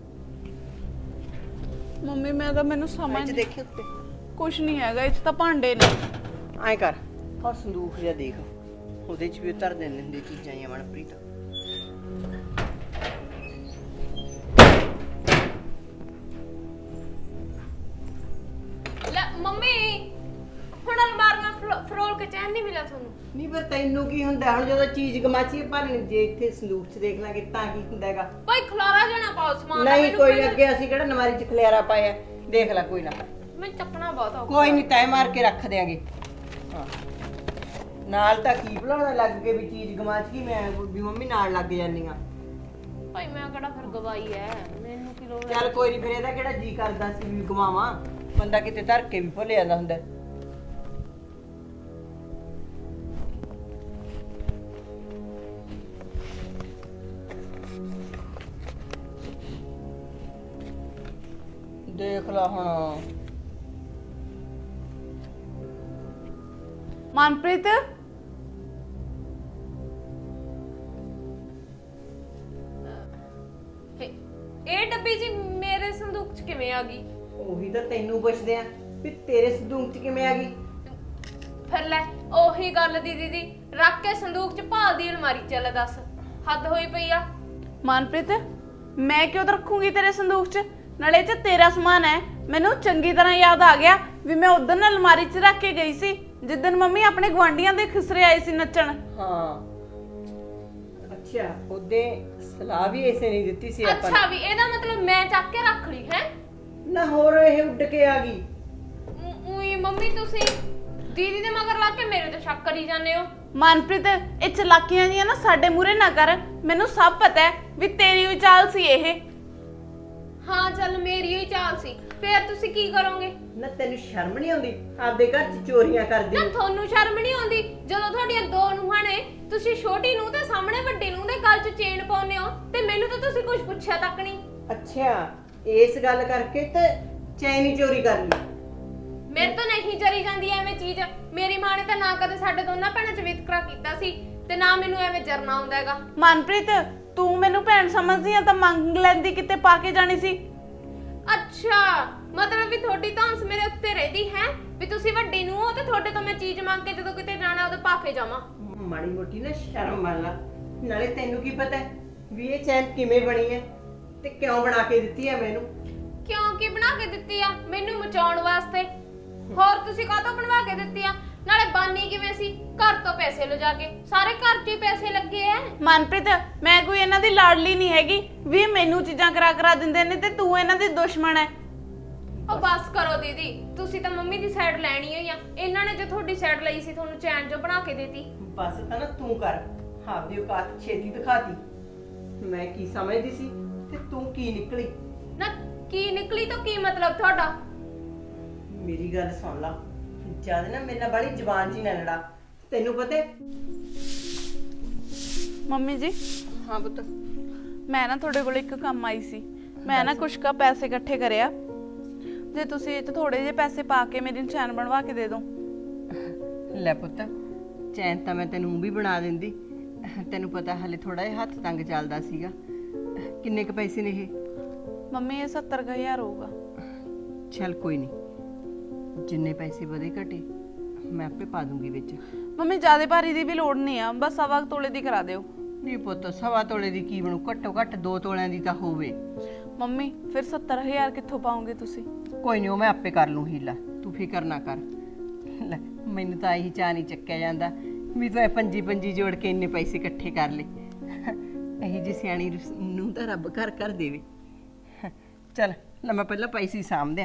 Speaker 1: ਮੰਮੀ ਮੈਂ ਤਾਂ ਮੈਨੂੰ ਸਮਝ
Speaker 2: ਵਿੱਚ ਦੇਖੇ ਉੱਤੇ
Speaker 1: ਕੁਛ ਨਹੀਂ ਹੈਗਾ, ਇਹ 'ਚ ਤਾਂ ਭਾਂਡੇ ਨੇ।
Speaker 2: ਐਂ ਕਰ, ਆਹ ਸੰਦੂਖ ਜਿਹਾ ਦੇਖ, ਉਹਦੇ 'ਚ ਵੀ ਉਤਰ ਦਿੰਦੇ ਹੁੰਦੇ ਚੀਜ਼ਾਂ ਜਾਂ ਮਨਪ੍ਰੀਤ।
Speaker 3: ਲੈ ਮੰਮੀ, ਹੁਣ ਅਲਮਾਰੀਆਂ ਫਰੋਲ ਕੇ ਚੈਨ ਨਹੀਂ ਮਿਲਿਆ ਤੁਹਾਨੂੰ?
Speaker 2: ਨਹੀਂ ਪਰ ਤੈਨੂੰ ਕੀ ਹੁੰਦਾ ਹੁਣ ਜਦੋਂ ਚੀਜ਼ ਗਮਾਚੀ ਭਾਲਣੀ, ਜੇ ਇੱਥੇ ਸੰਦੂਕ 'ਚ ਦੇਖ ਲਾਂਗੇ ਤਾਂ ਕੀ ਹੁੰਦਾ ਹੈਗਾ?
Speaker 3: ਭਾਈ ਖਲਾਰਾ ਜਾਣਾ ਪਾਓ ਸਮਾਨ ਦਾ।
Speaker 2: ਨਹੀਂ ਕੋਈ ਅੱਗੇ ਅਸੀਂ ਕਿਹੜਾ ਨਮਾਰੀ 'ਚ ਖਲਿਆਰਾ ਪਾਇਆ, ਦੇਖ ਲੈ ਕੋਈ ਨਾ।
Speaker 3: ਮੈਂ ਚੱਕਣਾ ਬਹੁਤ ਔਖਾ।
Speaker 2: ਕੋਈ ਨਹੀਂ, ਤੈਅ ਮਾਰ ਕੇ ਰੱਖ ਦਿਆਂਗੇ। ਹਾਂ ਨਾਲ ਤਾਂ ਕੀ ਭੁਲਾਉਣਾ ਲੱਗ ਕੇ ਵੀ ਚੀਜ਼ ਗਮਾਚ ਗਈ, ਮੈਂ ਵੀ ਮੰਮੀ ਨਾਲ ਲੱਗ ਜਾਂਦੀ ਆ।
Speaker 3: ਭਾਈ ਮੈਂ ਕਿਹੜਾ ਫਿਰ ਗਵਾਈ ਐ, ਮੈਨੂੰ ਕੀ ਲੋੜ ਐ?
Speaker 2: ਚੱਲ ਕੋਈ ਨਹੀਂ, ਫਿਰ ਇਹਦਾ ਕਿਹੜਾ ਜੀ ਕਰਦਾ ਸੀ ਵੀ ਗਵਾਵਾਂ, ਬੰਦਾ ਕਿਤੇ ਧਰ ਕੇ ਵੀ ਭੁੱਲ ਜਾਂਦਾ ਹੁੰਦਾ। ਦੇਖ ਲਾ ਹੁਣ।
Speaker 1: ਮਨਪ੍ਰੀਤ
Speaker 3: ਇਹ ਡੱਬੀ ਜੀ ਮੇਰੇ ਸੰਦੂਕ 'ਚ ਕਿਵੇਂ ਆ ਗਈ?
Speaker 2: ਉਹੀ ਤਾਂ ਤੈਨੂੰ ਪੁੱਛਦੇ ਆ ਵੀ ਤੇਰੇ ਸੰਦੂਕ 'ਚ ਕਿਵੇਂ ਆ ਗਈ।
Speaker 3: ਫਿਰ ਲੈ ਉਹੀ ਗੱਲ ਦੀਦੀ ਰੱਖ ਕੇ ਸੰਦੂਕ 'ਚ ਭਾਲਦੀ ਅਲਮਾਰੀ 'ਚ। ਲੈ ਦੱਸ, ਹੱਦ ਹੋਈ ਪਈ ਆ।
Speaker 1: ਮਨਪ੍ਰੀਤ, ਮੈਂ ਕਿਉਂ ਰੱਖੂੰਗੀ ਤੇਰੇ ਸੰਦੂਕ 'ਚ? ਨਾਲੇ 'ਚ ਤੇਰਾ ਸਮਾਨ ਹੈ। ਮੈਨੂੰ ਚੰਗੀ ਤਰ੍ਹਾਂ ਯਾਦ ਆ ਗਿਆ ਵੀ ਮੈਂ ਉਦੋਂ ਅਲਮਾਰੀ 'ਚ ਰੱਖ ਕੇ ਗਈ ਸੀ ਜਿੱਦਣ ਮੰਮੀ ਆਪਣੇ ਗੁਆਂਢੀਆਂ ਦੇ ਖਿਸਰੇ ਆਏ ਸੀ ਨੱਚਣ।
Speaker 2: ਹਾਂ ਅੱਛਾ, ਉਹਦੇ ਸਲਾਹ ਵੀ ਐਸੇ ਨਹੀਂ ਦਿੱਤੀ ਸੀ ਆਪਾਂ
Speaker 3: ਅੱਛਾ, ਵੀ ਇਹਦਾ ਮਤਲਬ ਮੈਂ ਚੱਕ ਕੇ ਰੱਖ ਲਈ ਹੈ
Speaker 2: ਨਾ? ਹੋਰ ਇਹ ਉੱਡ ਕੇ ਆ ਗਈ।
Speaker 3: ਉਈ ਮੰਮੀ ਤੁਸੀਂ ਦੀਦੀ ਦੇ ਮਗਰ ਲੱਗ ਕੇ ਮੇਰੇ ਤੇ ਸ਼ੱਕ ਕਰੀ ਜਾਂਦੇ ਹੋ।
Speaker 1: ਮਨਪ੍ਰੀਤ, ਇਹ ਚਲਾਕੀਆਂ ਜੀਆਂ ਨਾ ਸਾਡੇ ਮੂਹਰੇ ਨਾ ਕਰ। ਮੈਨੂੰ ਸਭ ਪਤਾ ਹੈ ਵੀ ਤੇਰੀ ਵੀ ਚਾਲ ਸੀ ਇਹ।
Speaker 3: ਹਾਂ ਚੱਲ ਮੇਰੀ ਹੀ ਚਾਲ ਸੀ, ਫੇਰ ਤੁਸੀਂ ਕੀ ਕਰੋਗੇ?
Speaker 2: ਨਾ ਤੈਨੂੰ ਸ਼ਰਮ ਨਹੀਂ ਆਉਂਦੀ ਆਪਦੇ ਘਰ 'ਚ ਚੋਰੀਆਂ ਕਰਦੀ?
Speaker 3: ਨਾ ਤੁਹਾਨੂੰ ਸ਼ਰਮ ਨਹੀਂ ਆਉਂਦੀ ਜਦੋਂ ਤੁਹਾਡੀਆਂ ਦੋ ਨੂੰਹਾਂ ਨੇ, ਤੁਸੀਂ ਛੋਟੀ ਨੂੰ ਤੇ ਸਾਹਮਣੇ ਵੱਡੀ ਨੂੰ ਦੇ ਗਲ 'ਚ ਚੇਨ ਪਾਉਂਦੇ ਹੋ ਤੇ ਮੈਨੂੰ ਤਾਂ ਤੁਸੀਂ ਕੁਝ ਪੁੱਛਿਆ ਤੱਕ ਨਹੀਂ।
Speaker 2: ਅੱਛਾ, ਇਸ ਗੱਲ ਕਰਕੇ ਤੇ ਚੈਨ ਹੀ ਚੋਰੀ ਕਰ ਲਈ।
Speaker 3: ਮੇਰੇ ਤੋਂ ਨਹੀਂ ਚਲੀ ਜਾਂਦੀ ਐਵੇਂ ਚੀਜ਼। ਮੇਰੀ ਮਾਂ ਨੇ ਤਾਂ ਨਾ ਕਦੇ ਸਾਡੇ ਦੋਨਾਂ ਭੈਣਾਂ 'ਚ ਵਿਤਕਰਾ ਕੀਤਾ ਸੀ ਤੇ ਨਾ ਮੈਨੂੰ ਐਵੇਂ ਜਰਨਾ ਆਉਂਦਾ ਹੈਗਾ।
Speaker 1: ਮਨਪ੍ਰੀਤ, ਤੂੰ ਮੈਨੂੰ ਭੈਣ ਸਮਝਦੀ ਆ ਤਾਂ ਮੰਗ ਲੈਂਦੀ ਕਿਤੇ ਪਾ ਕੇ ਜਾਣੀ ਸੀ।
Speaker 3: ਅੱਛਾ, ਮਤਲਬ ਵੀ ਤੁਹਾਡੀ ਧੌਂਸ ਮੇਰੇ ਉੱਤੇ ਰਹਿਦੀ ਹੈ ਵੀ ਤੁਸੀਂ ਵੱਡੀ ਨੂੰ ਹੋ ਤੇ ਤੁਹਾਡੇ ਤੋਂ ਮੈਂ ਚੀਜ਼ ਮੰਗ ਕੇ ਜਦੋਂ ਕਿਤੇ ਜਾਣਾ ਉਹਦੇ ਪਾ ਕੇ ਜਾਵਾਂ।
Speaker 2: ਮਾੜੀ ਮੋਟੀ ਨਾ ਸ਼ਰਮ ਮੰਨ ਲਾ। ਨਾਲੇ ਤੈਨੂੰ ਕੀ ਪਤਾ ਵੀ ਇਹ ਚੈਨ ਕਿਵੇਂ ਬਣੀ ਹੈ ਤੇ ਕਿਉਂ ਬਣਾ ਕੇ ਦਿੱਤੀ ਹੈ ਮੈਨੂੰ?
Speaker 3: ਕਿਉਂ ਕੀ ਬਣਾ ਕੇ ਦਿੱਤੀ ਆ? ਮੈਨੂੰ ਮਚਾਉਣ ਵਾਸਤੇ। ਹੋਰ ਤੁਸੀਂ ਕਾਹਤੋਂ ਬਣਵਾ ਕੇ ਦਿੱਤੀ ਆ? ਨਾਲੇ ਬਾਨੀ ਕਿਵੇਂ ਸੀ? ਘਰ ਤੋਂ ਪੈਸੇ ਲਿਜਾ ਕੇ। ਸਾਰੇ ਘਰ 'ਚ ਹੀ ਪੈਸੇ ਲੱਗੇ ਐ।
Speaker 1: ਮਨਪ੍ਰੀਤ, ਮੈਂ ਕੋਈ ਇਹਨਾਂ ਦੀ ਲਾਡਲੀ ਨਹੀਂ ਹੈਗੀ ਵੀ ਮੈਨੂੰ ਚੀਜ਼ਾਂ ਕਰਾ ਦਿੰਦੇ ਨੇ ਤੇ ਤੂੰ ਇਹਨਾਂ ਦੀ ਦੁਸ਼ਮਣ ਹੈ।
Speaker 3: ਉਹ ਬਸ ਕਰੋ ਦੀਦੀ, ਤੁਸੀਂ ਤਾਂ ਮੰਮੀ ਦੀ ਸਾਈਡ ਲੈਣੀ ਹੋਈ ਆ। ਇਹਨਾਂ ਨੇ ਜੇ ਤੁਹਾਡੀ ਸਾਈਡ ਲਈ ਸੀ ਤੁਹਾਨੂੰ ਚੈਨ ਜੋ ਬਣਾ ਕੇ ਦੇਤੀ।
Speaker 2: ਬਸ ਤਾਂ ਨਾ ਤੂੰ ਕਰ, ਆਪਦੀ ਔਕਾਤ ਛੇਤੀ ਦਿਖਾਤੀ। ਮੈਂ ਕੀ ਸਮਝਦੀ ਸੀ ਤੇ ਤੂੰ ਕੀ ਨਿਕਲੀ।
Speaker 3: ਨਾ ਕੀ ਨਿਕਲੀ ਤਾਂ ਕੀ ਮਤਲਬ ਤੁਹਾਡਾ?
Speaker 2: ਮੇਰੀ ਗੱਲ ਸੁਣ ਲਾ, ਜਦ ਨਾ ਮੇਰੇ ਨਾਲ ਬੜੀ ਜ਼ਬਾਨ ਜੀ ਨਾ ਲੜਾ। ਤੈਨੂੰ ਪਤਾ ਹੈ?
Speaker 1: ਮੰਮੀ ਜੀ,
Speaker 2: ਹਾਂ ਪੁੱਤ।
Speaker 1: ਮੈਂ ਨਾ ਤੁਹਾਡੇ ਕੋਲ ਇੱਕ ਕੰਮ ਆਈ ਸੀ। ਮੈਂ ਨਾ ਕੁਛ ਕਾ ਪੈਸੇ ਇਕੱਠੇ ਕਰਿਆ, ਜੇ ਤੁਸੀਂ ਇਹ 'ਚ ਥੋੜੇ ਜਿਹੇ ਪੈਸੇ ਪਾ ਕੇ ਮੇਰੀ ਨਿਸ਼ਾਨ ਬਣਵਾ ਕੇ ਦੇ ਦਿਓ।
Speaker 2: ਲੈ ਪੁੱਤ, ਚੈਨ ਤਾਂ ਮੈਂ ਤੈਨੂੰ ਊਂ ਵੀ ਬਣਾ ਦਿੰਦੀ। ਤੈਨੂੰ ਪਤਾ ਹਲੇ ਥੋੜਾ ਜਿਹਾ ਹੱਥ ਤੰਗ ਚੱਲਦਾ ਸੀਗਾ। ਕਿੰਨੇ ਕ ਪੈਸੇ ਨੇ ਇਹ?
Speaker 1: ਮੰਮੀ ਇਹ 70,000 ਹੋਊਗਾ।
Speaker 2: ਚੱਲ ਕੋਈ ਨਹੀਂ, ਜਿੰਨੇ ਪੈਸੇ ਵਧੇ ਘਟੇ ਮੈਂ ਆਪੇ ਪਾ ਦੂੰਗੀ ਵਿੱਚ।
Speaker 1: ਮੰਮੀ ਜ਼ਿਆਦਾ ਭਾਰੀ ਦੀ ਵੀ ਲੋੜ ਨਹੀਂ ਆ, ਬਸ 1.25 ਤੋਲੇ ਦੀ ਕਰਾ ਦਿਓ।
Speaker 2: ਨਹੀਂ ਪੁੱਤ, 1.25 ਤੋਲੇ ਦੀ ਕੀ ਬਣੂ? ਘੱਟੋ ਘੱਟ 2 ਤੋਲਿਆਂ ਦੀ ਤਾਂ ਹੋਵੇ।
Speaker 1: ਮੰਮੀ ਫਿਰ 70,000 ਕਿੱਥੋਂ ਪਾਉਂਗੇ ਤੁਸੀਂ?
Speaker 2: ਕੋਈ ਨਹੀਂ, ਉਹ ਮੈਂ ਆਪੇ ਕਰ ਲੂੰ ਹੀਲਾ, ਤੂੰ ਫਿਕਰ ਨਾ ਕਰ। ਲੈ, ਮੈਨੂੰ ਤਾਂ ਇਹੀ ਚਾਹ ਨਹੀਂ ਚੱਕਿਆ ਜਾਂਦਾ ਵੀ ਤੂੰ ਇਹ ਪੰਜੀ ਜੋੜ ਕੇ ਇੰਨੇ ਪੈਸੇ ਇਕੱਠੇ ਕਰ ਲਏ। ਇਹੀ ਜੀ ਸਿਆਣੀ ਨੂੰ ਤਾਂ ਰੱਬ ਘਰ ਘਰ ਦੇਵੇ। ਚੱਲ ਲੈ ਮੈਂ ਪਹਿਲਾਂ ਪੈਸੇ ਸਾਂਭਦਿਆਂ।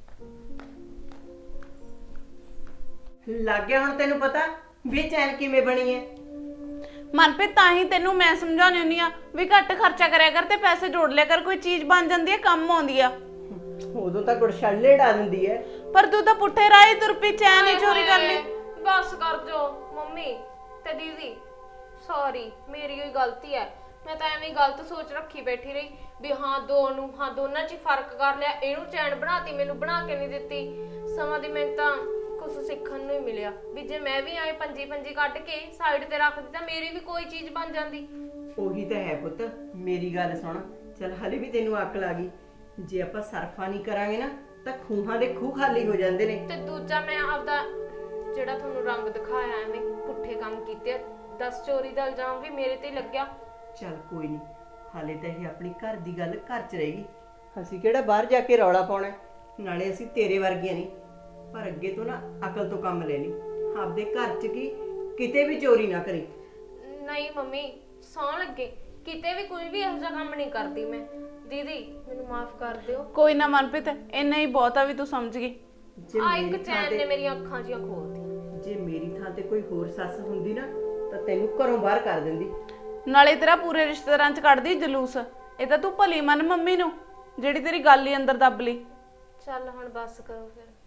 Speaker 2: ਲੱਗ ਗਿਆ ਹੁਣ ਤੈਨੂੰ ਪਤਾ ਵੀ ਚੈਨ ਕਿਵੇਂ ਬਣੀ ਹੈ?
Speaker 1: ਮਨਪ੍ਰੀਤ ਤਾਂ ਹੀ ਤੈਨੂੰ ਮੈਂ ਸਮਝਾਉਣੀ ਹੁੰਦੀ ਆ ਵੀ ਘੱਟ ਖਰਚਾ ਕਰਿਆ ਕਰ ਤੇ ਪੈਸੇ ਜੋੜ ਲਿਆ ਕਰ, ਕੋਈ ਚੀਜ਼ ਬਣ ਜਾਂਦੀ ਹੈ, ਕੰਮ ਆਉਂਦੀ ਆ।
Speaker 2: ਉਦੋਂ ਤਾਂ ਗੁੜਛੱਲੇ ਡਾ ਦਿੰਦੀ ਹੈ।
Speaker 1: ਪਰ ਤੂੰ ਤਾਂ ਪੁੱਠੇ ਰਾਹੀ ਤੁਰ ਪਈ, ਚੈਨ ਹੀ ਚੋਰੀ ਕਰ ਲਈ।
Speaker 3: ਬਸ ਕਰ ਜੋ ਮੰਮੀ ਤੇ ਦੀਦੀ, ਸੌਰੀ ਮੇਰੀ ਹੀ ਗਲਤੀ ਹੈ। ਮੈਂ ਤਾਂ ਐਵੇਂ ਗਲਤ ਸੋਚ ਰੱਖੀ ਬੈਠੀ ਰਹੀ ਵੀ ਦੋਨਾਂ 'ਚ ਹੀ ਫਰਕ ਕਰ ਲਿਆ। ਇਹਨੂੰ ਚੈਨ ਬਣਾਤੀ, ਮੈਨੂੰ ਬਣਾ ਕੇ ਨਹੀਂ ਦਿੱਤੀ। ਸਮਾਂ ਦੀ ਮੈਨੂੰ ਤਾਂ ਕੁਝ ਸਿੱਖਣ ਨੂੰ ਹੀ ਮਿਲਿਆ ਵੀ ਜੇ ਮੈਂ ਵੀ ਆਏ ਪੰਜੀ ਕੱਢ ਕੇ ਸਾਈਡ ਤੇ ਰੱਖ ਦਿੱਤਾ, ਮੇਰੀ ਵੀ ਕੋਈ ਚੀਜ਼ ਬਣ ਜਾਂਦੀ।
Speaker 2: ਉਹੀ ਤਾਂ ਹੈ ਪੁੱਤ, ਮੇਰੀ ਗੱਲ ਸੁਣ। ਚੱਲ ਹਲੇ ਵੀ ਤੈਨੂੰ ਅਕਲ ਆ ਗਈ। ਜੇ ਆਪਾਂ ਸਰਫਾ ਨਹੀਂ ਕਰਾਂਗੇ ਨਾ ਤਾਂ ਖੂਹਾਂ ਦੇ ਖੂਹ ਖਾਲੀ ਹੋ ਜਾਂਦੇ ਨੇ।
Speaker 3: ਤੇ ਦੂਜਾ ਮੈਂ ਆਪਦਾ ਜਿਹੜਾ ਤੁਹਾਨੂੰ ਰੰਗ ਦਿਖਾਇਆ ਐਵੇਂ ਪੁੱਠੇ ਕੰਮ ਕੀਤੇ, 10 ਚੋਰੀ ਦਾ ਇਲਜ਼ਾਮ ਵੀ ਮੇਰੇ ਤੇ ਲੱਗਿਆ।
Speaker 2: ਚੱਲ ਕੋਈ ਨਹੀਂ, ਹਾਲੇ ਤਾਂ ਇਹ ਆਪਣੀ ਘਰ ਦੀ ਗੱਲ ਘਰ 'ਚ ਰਹੇਗੀ। ਅਸੀਂ ਕਿਹੜਾ ਬਾਹਰ ਜਾ ਕੇ ਰੌਲਾ ਪਾਉਣਾ? ਨਾਲੇ ਅਸੀਂ ਤੇਰੇ ਵਰਗੀਆਂ ਨਹੀਂ। ਪਰ ਅੱਗੇ ਤੋਂ ਨਾ ਅਕਲ ਤੋਂ ਕੰਮ ਲੈ ਲਈ। ਆਪਦੇ ਘਰ 'ਚ ਕੀ ਕਿਤੇ ਵੀ ਚੋਰੀ ਨਾ ਕਰੀ।
Speaker 3: ਨਹੀਂ ਮੰਮੀ, ਸੌਂ ਲੱਗੇ ਕਿਤੇ ਵੀ ਕੋਈ ਵੀ ਇਹੋ ਜਿਹਾ ਕੰਮ ਨਹੀਂ ਕਰਦੀ ਮੈਂ। ਦੀਦੀ ਮੈਨੂੰ ਮਾਫ ਕਰ ਦਿਓ।
Speaker 1: ਕੋਈ ਨਾ ਮਨਪ੍ਰੀਤ, ਇੰਨਾ ਹੀ ਬਹੁਤ ਆ ਵੀ ਤੂੰ ਸਮਝ ਗਈ।
Speaker 2: ਜੇ
Speaker 3: ਆ ਇੱਕ
Speaker 2: ਮੇਰੀ ਥਾਂ
Speaker 3: ਚੈਨ ਨੇ
Speaker 2: ਤੇ
Speaker 3: ਮੇਰੀਆਂ ਅੱਖਾਂ ਜੀਆਂ ਖੋਲਤੀਆਂ।
Speaker 2: ਜੇ ਮੇਰੀ ਥਾਂ ਤੇ ਕੋਈ ਹੋਰ ਸੱਸ ਹੁੰਦੀ ਨਾ ਤਾਂ ਤੈਨੂੰ ਘਰੋਂ ਬਾਹਰ ਕਰ ਦਿੰਦੀ।
Speaker 1: ਨਾਲੇ ਤੇਰਾ ਪੂਰੇ ਰਿਸ਼ਤੇਦਾਰਾਂ 'ਚ ਕੱਢਦੀ ਜਲੂਸ। ਇਹ ਤਾਂ ਤੂੰ ਭਲੀ ਮਨ ਮੰਮੀ ਨੂੰ, ਜਿਹੜੀ ਤੇਰੀ ਗੱਲ ਹੀ ਅੰਦਰ ਦੱਬ ਲਈ।
Speaker 3: ਚੱਲ ਹੁਣ ਬਸ ਕਰੋ ਫਿਰ।